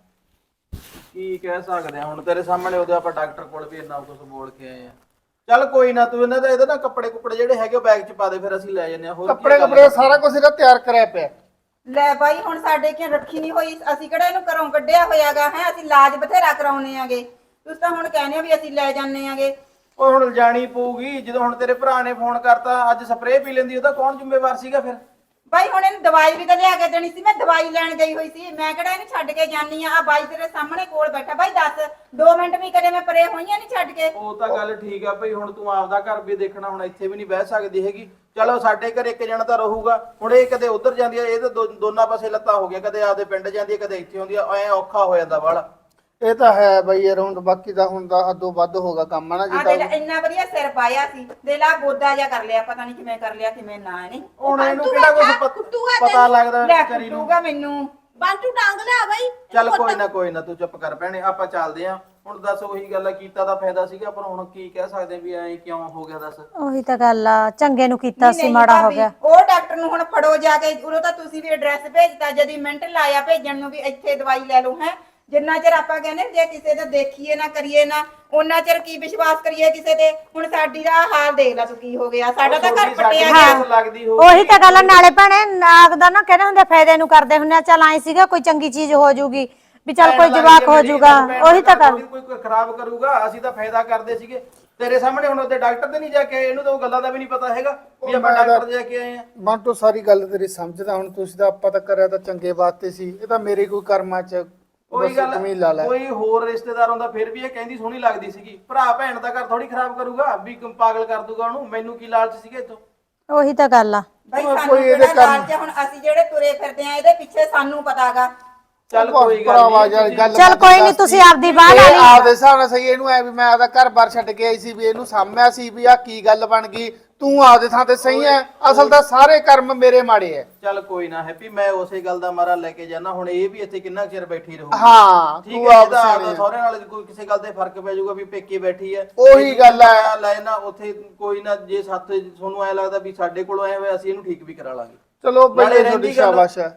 Speaker 5: ਕੀ ਕਹਿ ਸਕਦੇ ਆ ਹੁਣ ਤੇਰੇ ਸਾਹਮਣੇ ਉਹਦੇ ਆਪਾਂ ਡਾਕਟਰ ਕੋਲ ਵੀ ਇੰਨਾ ਕੁਝ ਬੋਲ ਕੇ ਆਏ ਆ ਚੱਲ ਕੋਈ ਨਾ ਤੂੰ ਇਹਨਾਂ ਦਾ ਇਹਦਾ ਨਾ ਕੱਪੜੇ ਕੁੱਪੜੇ ਜਿਹੜੇ ਹੈਗੇ ਉਹ ਬੈਗ 'ਚ ਪਾ ਦੇ ਫਿਰ ਅਸੀਂ ਲੈ ਜੰਨੇ ਆ ਹੋਰ ਕੀ
Speaker 4: ਕੱਪੜੇ
Speaker 5: ਗੱਲ
Speaker 4: ਕੱਪੜੇ ਸਾਰਾ ਕੁਝ ਇਹਦਾ ਤਿਆਰ ਕਰਿਆ ਪਿਆ
Speaker 1: ਲੈ ਬਾਈ ਹੁਣ ਸਾਡੇ ਕਿਉਂ ਰੱਖੀ ਨਹੀਂ ਹੋਈ ਅਸੀਂ ਕਿਹੜਾ ਇਹਨੂੰ ਘਰੋਂ ਕੱਢਿਆ ਹੋਇਆਗਾ ਹੈ ਅਸੀਂ ਇਲਾਜ ਬਥੇਰਾ ਕਰਾਉਨੇ ਆਗੇ ਤੁਸੀਂ ਤਾਂ ਹੁਣ ਕਹਿੰਦੇ ਹੋ ਵੀ ਅਸੀਂ ਲੈ ਜਾਂਦੇ ਆਗੇ
Speaker 5: ਉਹ ਹੁਣ ਜਾਣੀ ਪਊਗੀ ਜਦੋਂ ਹੁਣ ਤੇਰੇ ਭਰਾ ਨੇ ਫੋਨ ਕਰਤਾ ਅੱਜ ਸਪਰੇਅ ਪੀ ਲੈਂਦੀ ਉਹਦਾ ਕੌਣ ਜ਼ਿੰਮੇਵਾਰ ਸੀਗਾ ਫਿਰ
Speaker 1: ਬਾਈ ਹੁਣ ਇਹਨੂੰ ਦਵਾਈ ਵੀ ਤਾਂ ਲਿਆ ਕੇ ਦੇਣੀ ਸੀ ਮੈਂ ਦਵਾਈ ਲੈਣ ਗਈ ਹੋਈ ਸੀ ਮੈਂ ਕਿਹੜਾ ਇਹਨੂੰ ਛੱਡ ਕੇ ਜਾਨੀ ਆ ਬਾਈ ਤੇਰੇ ਸਾਹਮਣੇ ਕੋਲ ਬੈਠਾ ਬਾਈ ਦੱਸ 2 ਮਿੰਟ ਵੀ ਕਦੇ ਮੈਂ ਪਰੇ ਹੋਈਆਂ ਨਹੀਂ ਛੱਡ ਕੇ
Speaker 5: ਉਹ ਤਾਂ ਗੱਲ ਠੀਕ ਆ ਭਈ ਹੁਣ ਤੂੰ ਆਪਦਾ ਘਰ ਵੀ ਦੇਖਣਾ ਹੁਣ ਇੱਥੇ ਵੀ ਨਹੀਂ ਬਹਿ ਸਕਦੀ ਹੈਗੀ ਚਲੋ ਸਾਡੇ ਘਰ ਇੱਕ ਜਣਾ ਤਾਂ ਰਹੂਗਾ ਹੁਣ ਇਹ ਕਦੇ ਉਧਰ ਜਾਂਦੀ ਆ ਇਹ ਤਾਂ ਦੋਨਾਂ ਪਾਸੇ ਲੱਤਾਂ ਹੋ ਗਿਆ ਕਦੇ ਆਪਦੇ ਪਿੰਡ ਜਾਂਦੀ ਆ ਕਦੇ ਇੱਥੇ ਆਉਂਦੀ ਆ ਐ ਔਖਾ ਹੋ ਜਾਂਦਾ ਵਾਲਾ
Speaker 4: ਇਹ ਤਾਂ ਹੈ ਬਈ ਯਾਰ ਹੁਣ ਬਾਕੀ ਦਾ ਹੁਣ ਦਾ ਅੱਧੋ ਵੱਧ ਹੋਗਾ ਕੰਮ ਨਾ
Speaker 1: ਆ
Speaker 4: ਜਿੱਦਾਂ
Speaker 1: ਦੇ ਇੰਨਾ ਵਧੀਆ ਸਿਰ ਪਾਇਆ ਸੀ ਦੇ ਲਾ ਬੋਦਾ ਜਿਹਾ ਕਰ ਲਿਆ ਪਤਾ ਨਹੀਂ ਕਿਵੇਂ ਕਰ ਲਿਆ ਕਿਵੇਂ ਨਾ ਇਹਨੇ
Speaker 5: ਹੁਣ ਇਹਨੂੰ ਕਿਹੜਾ ਕੁਝ ਪਤਾ ਲੱਗਦਾ ਵਿਚਾਰੀ ਨੂੰ
Speaker 1: ਕੁੱਟੂਗਾ ਮੈਨੂੰ
Speaker 7: ਬਾਂਟੂ ਟਾਂਗ ਲਿਆ ਬਾਈ
Speaker 5: ਚੱਲ ਕੋਈ ਨਾ ਤੂੰ ਚੁੱਪ ਕਰ ਭੈਣੇ ਆਪਾਂ ਚੱਲਦੇ ਆਂ ਹੁਣ ਦੱਸ ਉਹੀ ਗੱਲ ਆ ਕੀਤਾ ਤਾਂ ਫਾਇਦਾ ਸੀਗਾ ਪਰ ਹੁਣ ਕੀ ਕਹਿ ਸਕਦੇ ਵੀ ਐ ਕਿਉਂ ਹੋ ਗਿਆ ਦੱਸ
Speaker 6: ਉਹੀ ਤਾਂ ਗੱਲ ਆ ਚੰਗੇ ਨੂੰ ਕੀਤਾ
Speaker 1: ਨਹੀਂ,
Speaker 6: ਸੀ
Speaker 1: ਨਹੀਂ
Speaker 6: ਮਾੜਾ ਹੋ
Speaker 1: ਭਾਬੀ,
Speaker 6: ਗਿਆ
Speaker 1: ਉਹ ਡਾਕਟਰ ਨੂੰ ਹੁਣ ਫੜੋ ਜਾ ਕੇ ਉਦੋਂ ਤਾਂ ਤੁਸੀਂ ਵੀ ਐਡਰੈਸ ਭੇਜਤਾ ਜਦੀ ਮਿੰਟ ਲਾਇਆ ਭੇਜਣ ਨੂੰ ਵੀ ਇੱਥੇ ਦਵਾਈ ਲੈ ਲਓ ਹੈ ਜਿੰਨਾ ਚਿਰ ਆਪਾਂ ਕਹਿੰਦੇ ਜੇ ਕਿਸੇ ਦਾ ਦੇਖੀਏ ਨਾ ਕਰੀਏ ਨਾ ਉਹਨਾਂ ਚਿਰ ਕੀ ਵਿਸ਼ਵਾਸ ਕਰੀਏ ਕਿਸੇ ਤੇ ਹੁਣ ਸਾਡੀ ਦਾ ਹਾਲ ਦੇਖ ਲੈ ਤੂੰ ਕੀ ਹੋ ਗਿਆ ਸਾਡਾ ਤਾਂ ਘਰ ਪਟਿਆ ਗਿਆ
Speaker 5: ਲੱਗਦੀ ਹੋ
Speaker 6: ਉਹੀ ਤਾਂ ਗੱਲ ਆ, ਨਾਲੇ ਭੈਣੇ ਨਾਗ ਦਾ ਨਾ ਕਹਿੰਦੇ ਹੁੰਦੇ ਫਾਇਦੇ ਨੂੰ ਕਰਦੇ ਹੁੰਦੇ ਆ ਚੱਲ ਆਏ ਸੀਗਾ ਕੋਈ ਚੰਗੀ ਚੀਜ਼ ਹੋ ਜੂਗੀ ਵੀ ਚੱਲ ਕੋਈ ਜਵਾਕ ਹੋ ਜੂਗਾ ਉਹੀ ਤਾਂ ਗੱਲ
Speaker 5: ਕੋਈ ਖਰਾਬ ਕਰੂਗਾ ਅਸੀਂ ਤਾਂ ਫਾਇਦਾ ਕਰਦੇ ਸੀਗੇ ਤੇਰੇ ਸਾਹਮਣੇ ਹੁਣ ਉਹਦੇ ਡਾਕਟਰ ਤੇ ਨਹੀਂ ਜਾ ਕੇ ਆਏ ਇਹਨੂੰ ਤਾਂ ਉਹ ਗੱਲਾਂ ਦਾ ਵੀ ਨਹੀਂ ਪਤਾ ਹੈਗਾ ਵੀ ਆਪਾਂ ਡਾਕਟਰ ਦੇ ਜਾ ਕੇ ਆਏ ਆ
Speaker 4: ਬੰਟੋ ਸਾਰੀ ਗੱਲ ਤੇਰੀ ਸਮਝਦਾ ਹੁਣ ਤੁਸੀਂ ਤਾਂ ਆਪਾਂ ਤਾਂ ਕਰਿਆ ਤਾਂ ਚੰਗੇ ਵਾਸਤੇ ਸੀ ਇਹ ਤਾਂ ਮੇਰੇ ਕੋਈ ਕਰਮਾਂ 'ਚ
Speaker 5: ਉਹੀ ਗੱਲ
Speaker 4: ਜ਼ਮੀਨ ਲਾ ਲੈ
Speaker 5: ਕੋਈ ਹੋਰ ਰਿਸ਼ਤੇਦਾਰ ਹੁੰਦਾ ਫਿਰ ਵੀ ਇਹ ਕਹਿੰਦੀ ਸੋਹਣੀ ਲੱਗਦੀ ਸੀਗੀ ਭਰਾ ਭੈਣ ਦਾ ਘਰ ਥੋੜੀ ਖਰਾਬ ਕਰੂਗਾ ਵੀ ਪਾਗਲ ਕਰ ਦੂਗਾ ਉਹਨੂੰ ਮੈਨੂੰ ਕੀ ਲਾਲਚ ਸੀਗੇ ਇਤੋਂ
Speaker 6: ਉਹੀ ਤਾਂ ਗੱਲ ਆ
Speaker 1: ਬਾਈ
Speaker 4: ਕੋਈ
Speaker 1: ਸਾਨੂੰ
Speaker 4: ਇਹਦੇ
Speaker 1: ਕਿਹੜਾ
Speaker 4: ਕੰਮ-
Speaker 1: ਲਾਲਚ ਆ, ਹੁਣ ਅਸੀਂ ਜਿਹੜੇ ਤੁਰੇ ਫਿਰਦੇ ਆ ਇਹਦੇ ਪਿੱਛੇ ਸਾਨੂੰ ਪਤਾਗਾ
Speaker 5: ਚੱਲ ਕੋਈ ਗੱਲ
Speaker 4: ਭਰਾਵਾ
Speaker 5: ਨਹੀਂ
Speaker 4: ਯਾਰ ਗੱਲ
Speaker 6: ਚੱਲ ਕੋਈ ਨਹੀਂ ਤੁਸੀਂ ਆਪਦੀ ਬਾਹ ਲਾ ਲਈ
Speaker 4: ਆਪਦੇ ਹਿਸਾਬ ਨਾਲ ਸਹੀ ਇਹਨੂੰ ਐ ਵੀ ਮੈਂ ਆਪਦਾ ਘਰ-ਬਾਰ ਛੱਡ ਕੇ ਆਈ ਸੀ ਵੀ ਇਹਨੂੰ ਸਾਂਭਿਆ ਸੀ ਵੀ ਆ ਕੀ ਗੱਲ ਬਣ ਗਈ ਤੂੰ ਆਪਦੇ ਥਾਂ ਤੇ ਸਹੀ ਐ ਅਸਲ ਤਾਂ ਸਾਰੇ ਕਰਮ ਮੇਰੇ ਮਾੜੇ ਐ
Speaker 5: ਚੱਲ ਕੋਈ ਨਾ ਹੈਪੀ ਮੈਂ ਉਸੇ ਗੱਲ ਦਾ ਮਾਰਾ ਲੈ ਕੇ ਜਾਣਾ ਹੁਣ ਇਹ ਵੀ ਇੱਥੇ ਕਿੰਨਾ ਚਿਰ ਬੈਠੀ ਰਹੂ
Speaker 4: ਹਾਂ
Speaker 5: ਠੀਕ
Speaker 4: ਤੂੰ
Speaker 5: ਹੈ
Speaker 4: ਆਪ
Speaker 5: ਇਹਦਾ
Speaker 4: ਸਿਆਣੀ
Speaker 5: ਆਪਦਾ
Speaker 4: ਐ।
Speaker 5: ਸਹੁਰੇ ਨਾਲ ਕੋਈ ਕਿਸੇ ਗੱਲ ਤੇ ਫਰਕ ਪੈ ਜਾਊਗਾ ਵੀ ਪੇਕੇ ਬੈਠੀ ਹੈ
Speaker 4: ਉਹੀ ਗੱਲ ਐ।
Speaker 5: ਲੈ ਨਾ ਉੱਥੇ ਕੋਈ ਨਾ ਜੇ ਸਾਥ ਤੁਹਾਨੂੰ ਐ ਲੱਗਦਾ ਵੀ ਸਾਡੇ ਕੋਲੋਂ ਆਏ ਹੋਏ ਅਸੀਂ ਇਹਨੂੰ ਠੀਕ ਵੀ ਕਰਾ ਲਾਂਗੇ
Speaker 4: ਚਲੋ
Speaker 5: ਨਾਲੇ
Speaker 4: ਬਈ
Speaker 5: ਰਹਿੰਦੀ
Speaker 4: ਤੁਹਾਡੀ
Speaker 5: ਗੱਲ-
Speaker 4: ਸ਼ਾਬਾਸ਼ ਐ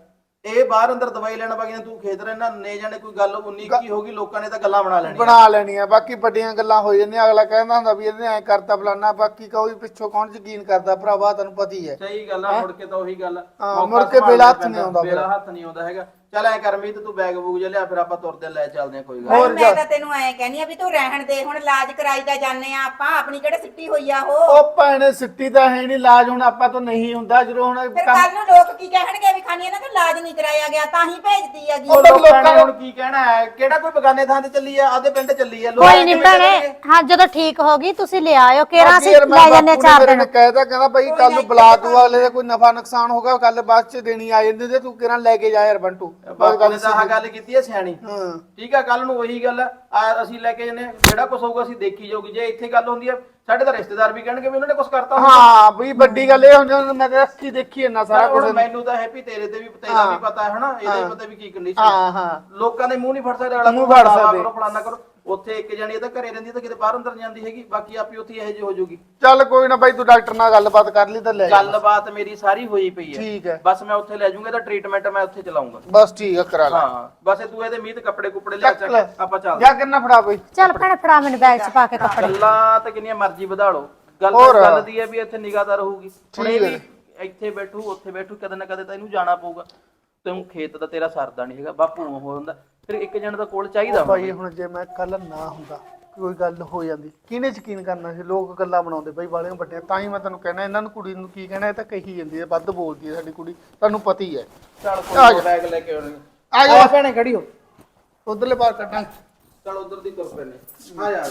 Speaker 5: ਇਹ ਬਾਹਰ ਅੰਦਰ ਦਵਾਈ ਲੈਣ ਵਗੀਆਂ ਤੂੰ ਖੇਤ ਰਹਿਣਾ ਨੇ ਜਾਣੇ ਕੋਈ ਗੱਲ 19 ਕੀ ਹੋ ਗਈ ਲੋਕਾਂ ਨੇ ਤਾਂ ਗੱਲਾਂ ਬਣਾ ਲੈਣੀਆਂ
Speaker 4: ਬਣਾ ਲੈਣੀਆਂ ਬਾਕੀ ਵੱਡੀਆਂ ਗੱਲਾਂ ਹੋ ਜਾਂਦੀਆਂ ਅਗਲਾ ਕਹਿੰਦਾ ਹੁੰਦਾ ਵੀ ਇਹਨੇ ਐ ਕਰਤਾ ਫਲਾਨਾ ਬਾਕੀ ਕੋਈ ਪਿੱਛੋਂ ਕੌਣ ਯਕੀਨ ਕਰਦਾ ਭਰਾਵਾ ਤੈਨੂੰ ਪਤਾ ਹੀ ਹੈ
Speaker 5: ਸਹੀ ਗੱਲ ਆ ਮੁੜ ਕੇ ਤਾਂ ਉਹੀ ਗੱਲ
Speaker 4: ਮੁੜ ਕੇ ਵੇਲਾ ਹੱਥ ਨਹੀਂ ਆਉਂਦਾ
Speaker 5: ਵੇਲਾ ਹੱਥ ਨਹੀਂ ਆਉਂਦਾ ਹੈਗਾ ਚੱਲ ਐ ਕਰ ਮੀਤ ਤੂੰ ਬੈਗ ਬੂਗ ਜਿਹਾ ਲਿਆ ਫਿਰ ਆਪਾਂ ਤੁਰਦੇ ਲੈ ਚੱਲਦੇ ਆ ਕੋਈ ਗੱਲ
Speaker 1: ਹੋਰ ਮੈਂ ਤਾਂ ਤੈਨੂੰ ਐ ਕਹਿੰਦੀ ਆ ਵੀ ਤੂੰ ਰਹਿਣ ਦੇ ਹੁਣ ਇਲਾਜ ਕਰਾਈ ਤਾਂ ਜਾਂਦੇ ਆ ਆਪਾਂ ਆਪਣੀ ਕਿਹੜੇ ਸਿੱਟੀ ਹੋਈ ਆ ਉਹ
Speaker 4: ਉਹ ਭੈਣੇ ਸਿੱਟੀ ਤਾਂ ਹੈ ਨਹੀਂ ਇਲਾਜ ਹੁਣ ਆਪਾਂ ਤੋਂ ਨਹੀਂ ਹੁੰਦਾ ਜਦੋਂ ਹੁਣ
Speaker 1: ਫਿਰ ਕੱਲ ਨੂੰ ਲੋਕ ਕੀ ਕਹਿਣਗੇ ਵੀ ਖਾਨੀ ਇਹਨਾਂ ਦਾ ਇਲਾਜ ਨਹੀਂ ਕਰਾਇਆ ਗਿਆ ਤਾਂ ਹੀ ਭੇਜਦੀ ਹੈਗੀ
Speaker 5: ਉਹ ਲੋਕਾਂ ਨੇ ਹੁਣ ਕੀ ਕਹਿਣਾ ਹੈ ਕਿਹੜਾ ਕੋਈ ਬਗਾਨੇ ਥਾਂ ਤੇ ਚੱਲੀ ਆ ਆਦੇ ਪਿੰਡ ਚੱਲੀ ਆ
Speaker 6: ਕੋਈ ਨਹੀਂ ਭੈਣੇ ਹਾਂ ਜਦੋਂ ਠੀਕ ਹੋ ਗਈ ਤੁਸੀਂ ਲੈ ਆਇਓ ਕਿਹੜਾ ਅਸੀਂ ਲੈ ਜਾਂਦੇ 4 ਦਿਨ
Speaker 4: ਕਹਿਦਾ ਕਹਿੰਦਾ ਭਾਈ ਕੱਲ ਨੂੰ ਬੁਲਾ ਤੂੰ ਅਗਲੇ ਦਾ ਕੋਈ ਨਫਾ ਨੁਕਸਾਨ ਹੋਗਾ ਕੱਲ ਬਾਅਦ ਚ ਦੇਣੀ ਆ ਜਾਂਦੀ ਤੇ ਤੂੰ ਕਿਹੜਾ ਲੈ ਕੇ ਜਾ ਯਾਰ ਬੰਟੂ
Speaker 5: ਬਾਬਾ ਨੇ ਤਾਂ ਆਹ ਗੱਲ ਕੀਤੀ ਹੈ ਸਿਆਣੀ
Speaker 4: ਹਾਂ
Speaker 5: ਠੀਕ ਆ ਕੱਲ ਨੂੰ ਉਹੀ ਗੱਲ ਆ ਅਸੀਂ ਲੈ ਕੇ ਜਨੇ ਜਿਹੜਾ ਕੁਝ ਹੋਊਗਾ ਅਸੀਂ ਦੇਖੀ ਜਾਊਗੀ ਜੇ ਇੱਥੇ ਗੱਲ ਹੁੰਦੀ ਆ ਸਾਡੇ ਤਾਂ ਰਿਸ਼ਤੇਦਾਰ ਵੀ ਕਹਿਣਗੇ ਵੀ ਉਹਨਾਂ ਨੇ ਕੁਝ ਕਰਤਾ
Speaker 4: ਹਾਂ ਬਈ ਵੱਡੀ ਗੱਲ ਇਹ ਹੁੰਦੀ ਮੈਂ ਤਾਂ ਅੱਖੀ ਦੇਖੀ ਇੰਨਾ ਸਾਰਾ ਕੁਝ
Speaker 5: ਮੈਨੂੰ ਤਾਂ ਹੈਪੀ ਤੇਰੇ ਤੇ ਵੀ ਤੇਰਾ ਵੀ ਪਤਾ ਹੈ ਹਨਾ ਇਹਦਾ ਵੀ ਪਤਾ ਵੀ ਕੀ ਕੰਡੀਸ਼ਨ
Speaker 4: ਹਾਂ ਹਾਂ
Speaker 5: ਲੋਕਾਂ ਦੇ ਮੂੰਹ ਨਹੀਂ ਫੜ ਸਕਦੇ ਅਗਲਾ
Speaker 4: ਮੂੰਹ ਫੜ ਸਕਦੇ।
Speaker 5: ਕਰੋ ਫਲਾਨਾ ਕਰੋ ਉੱਥੇ ਇੱਕ ਜਣੀ ਇਹ ਤਾਂ ਘਰੇ ਰਹਿੰਦੀ ਤਾਂ ਕਿਤੇ ਬਾਹਰ ਅੰਦਰ ਜਾਂਦੀ ਹੈਗੀ ਬਾਕੀ ਆਪੀ ਉੱਥੇ ਇਹੋ ਜਿਹੀ ਹੋ ਜਾਊਗੀ
Speaker 4: ਚੱਲ ਕੋਈ ਨਾ ਬਾਈ ਤੂੰ ਡਾਕਟਰ ਨਾਲ ਗੱਲਬਾਤ ਕਰ ਲਈ ਤਾਂ ਲੈ ਜਾ।
Speaker 5: ਗੱਲਬਾਤ ਮੇਰੀ ਸਾਰੀ ਹੋਈ ਪਈ ਹੈ
Speaker 4: ਠੀਕ ਹੈ
Speaker 5: ਬਸ ਮੈਂ ਉੱਥੇ ਲੈ ਜਾਊਂਗਾ ਤਾਂ ਟ੍ਰੀਟਮੈਂਟ ਮੈਂ ਉੱਥੇ ਚਲਾਉਂਗਾ
Speaker 4: ਬਸ ਠੀਕ ਆ ਕਰਾ ਲੈ
Speaker 5: ਹਾਂ ਬਸ ਇਹ ਤੂੰ ਇਹਦੇ ਮੀਤ ਕੱਪੜੇ ਕੁਪੜੇ ਲਿਆ
Speaker 4: ਚੱਕ ਲੈ।
Speaker 5: ਚੱਕ ਆਪਾਂ ਚੱਲਦੇ
Speaker 4: ਜਾ ਕਿੰਨਾ ਫੜਾ ਬਈ
Speaker 6: ਚੱਲ ਭੈਣੇ ਫੜਾ ਮੈਨੂੰ ਬੈਗ 'ਚ ਪਾ ਕੇ ਕੱਪੜੇ
Speaker 5: ਗੱਲਾਂ ਤੇ ਕਿੰਨੀਆਂ ਮਰਜ਼ੀ ਵਧਾ ਲਓ ਗੱਲ
Speaker 4: ਹੋਰ।
Speaker 5: ਗੱਲ ਦੀ ਹੈ ਵੀ ਇੱਥੇ ਨਿਗਾਹਦਾਰ ਰਹੂਗੀ ਹੁਣ ਇਹ
Speaker 4: ਠੀਕ
Speaker 5: ਵੀ ਇੱਥੇ ਬੈਠੂ ਉੱਥੇ ਬੈਠੂ ਕਦੇ ਨਾ ਕਦੇ ਤਾਂ ਇਹਨੂੰ ਜਾਣਾ ਪਊਗਾ ਤੈਨੂੰ ਖੇਤ ਦਾ ਤੇਰਾ ਸਰਦਾ ਨਹੀਂ ਹੈਗਾ ਬਾਪੂ ਹੋ ਜਾਂਦਾ ਫਿਰ ਇੱਕ ਜਣ ਦਾ ਕੋਲ ਚਾਹੀਦਾ
Speaker 4: ਭਾਈ ਹੁਣ ਜੇ ਮੈਂ ਕੱਲ ਨਾ ਹੁੰਦਾ ਕੋਈ ਗੱਲ ਹੋ ਜਾਂਦੀ ਕਿਹਨੇ ਯਕੀਨ ਕਰਨਾ ਸੀ ਲੋਕ ਗੱਲਾਂ ਬਣਾਉਂਦੇ ਬਈ ਵਾਲਿਆਂ ਵੱਡੇ ਤਾਂ ਹੀ ਮੈਂ ਤੈਨੂੰ ਕਹਿਣਾ ਇਹਨਾਂ ਨੂੰ ਕੁੜੀ ਨੂੰ ਕੀ ਕਹਿਣਾ ਇਹ ਤਾਂ ਕਹੀ ਜਾਂਦੀ ਹੈ ਵੱਧ ਬੋਲਦੀ ਹੈ ਸਾਡੀ ਕੁੜੀ ਤੁਹਾਨੂੰ ਪਤਾ ਹੀ ਹੈ
Speaker 5: ਚੱਲ ਕੋਈ ਬੈਗ ਲੈ ਕੇ ਆਉਣੀ
Speaker 4: ਆ ਜਾ
Speaker 5: ਭੈਣੇ ਖੜੀ ਹੋ
Speaker 4: ਉਧਰਲੇ ਬਾਹਰ ਕੱਢਾਂ
Speaker 5: ਚੱਲ ਉਧਰ ਦੀ ਤੁਰ ਪੈਨੇ ਆ ਜਾ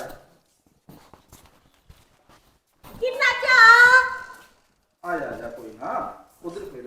Speaker 7: ਕਿੰਨਾ ਚਾ
Speaker 5: ਆ ਜਾ ਕੋਈ ਨਾ ਉਧਰ ਫੇਰ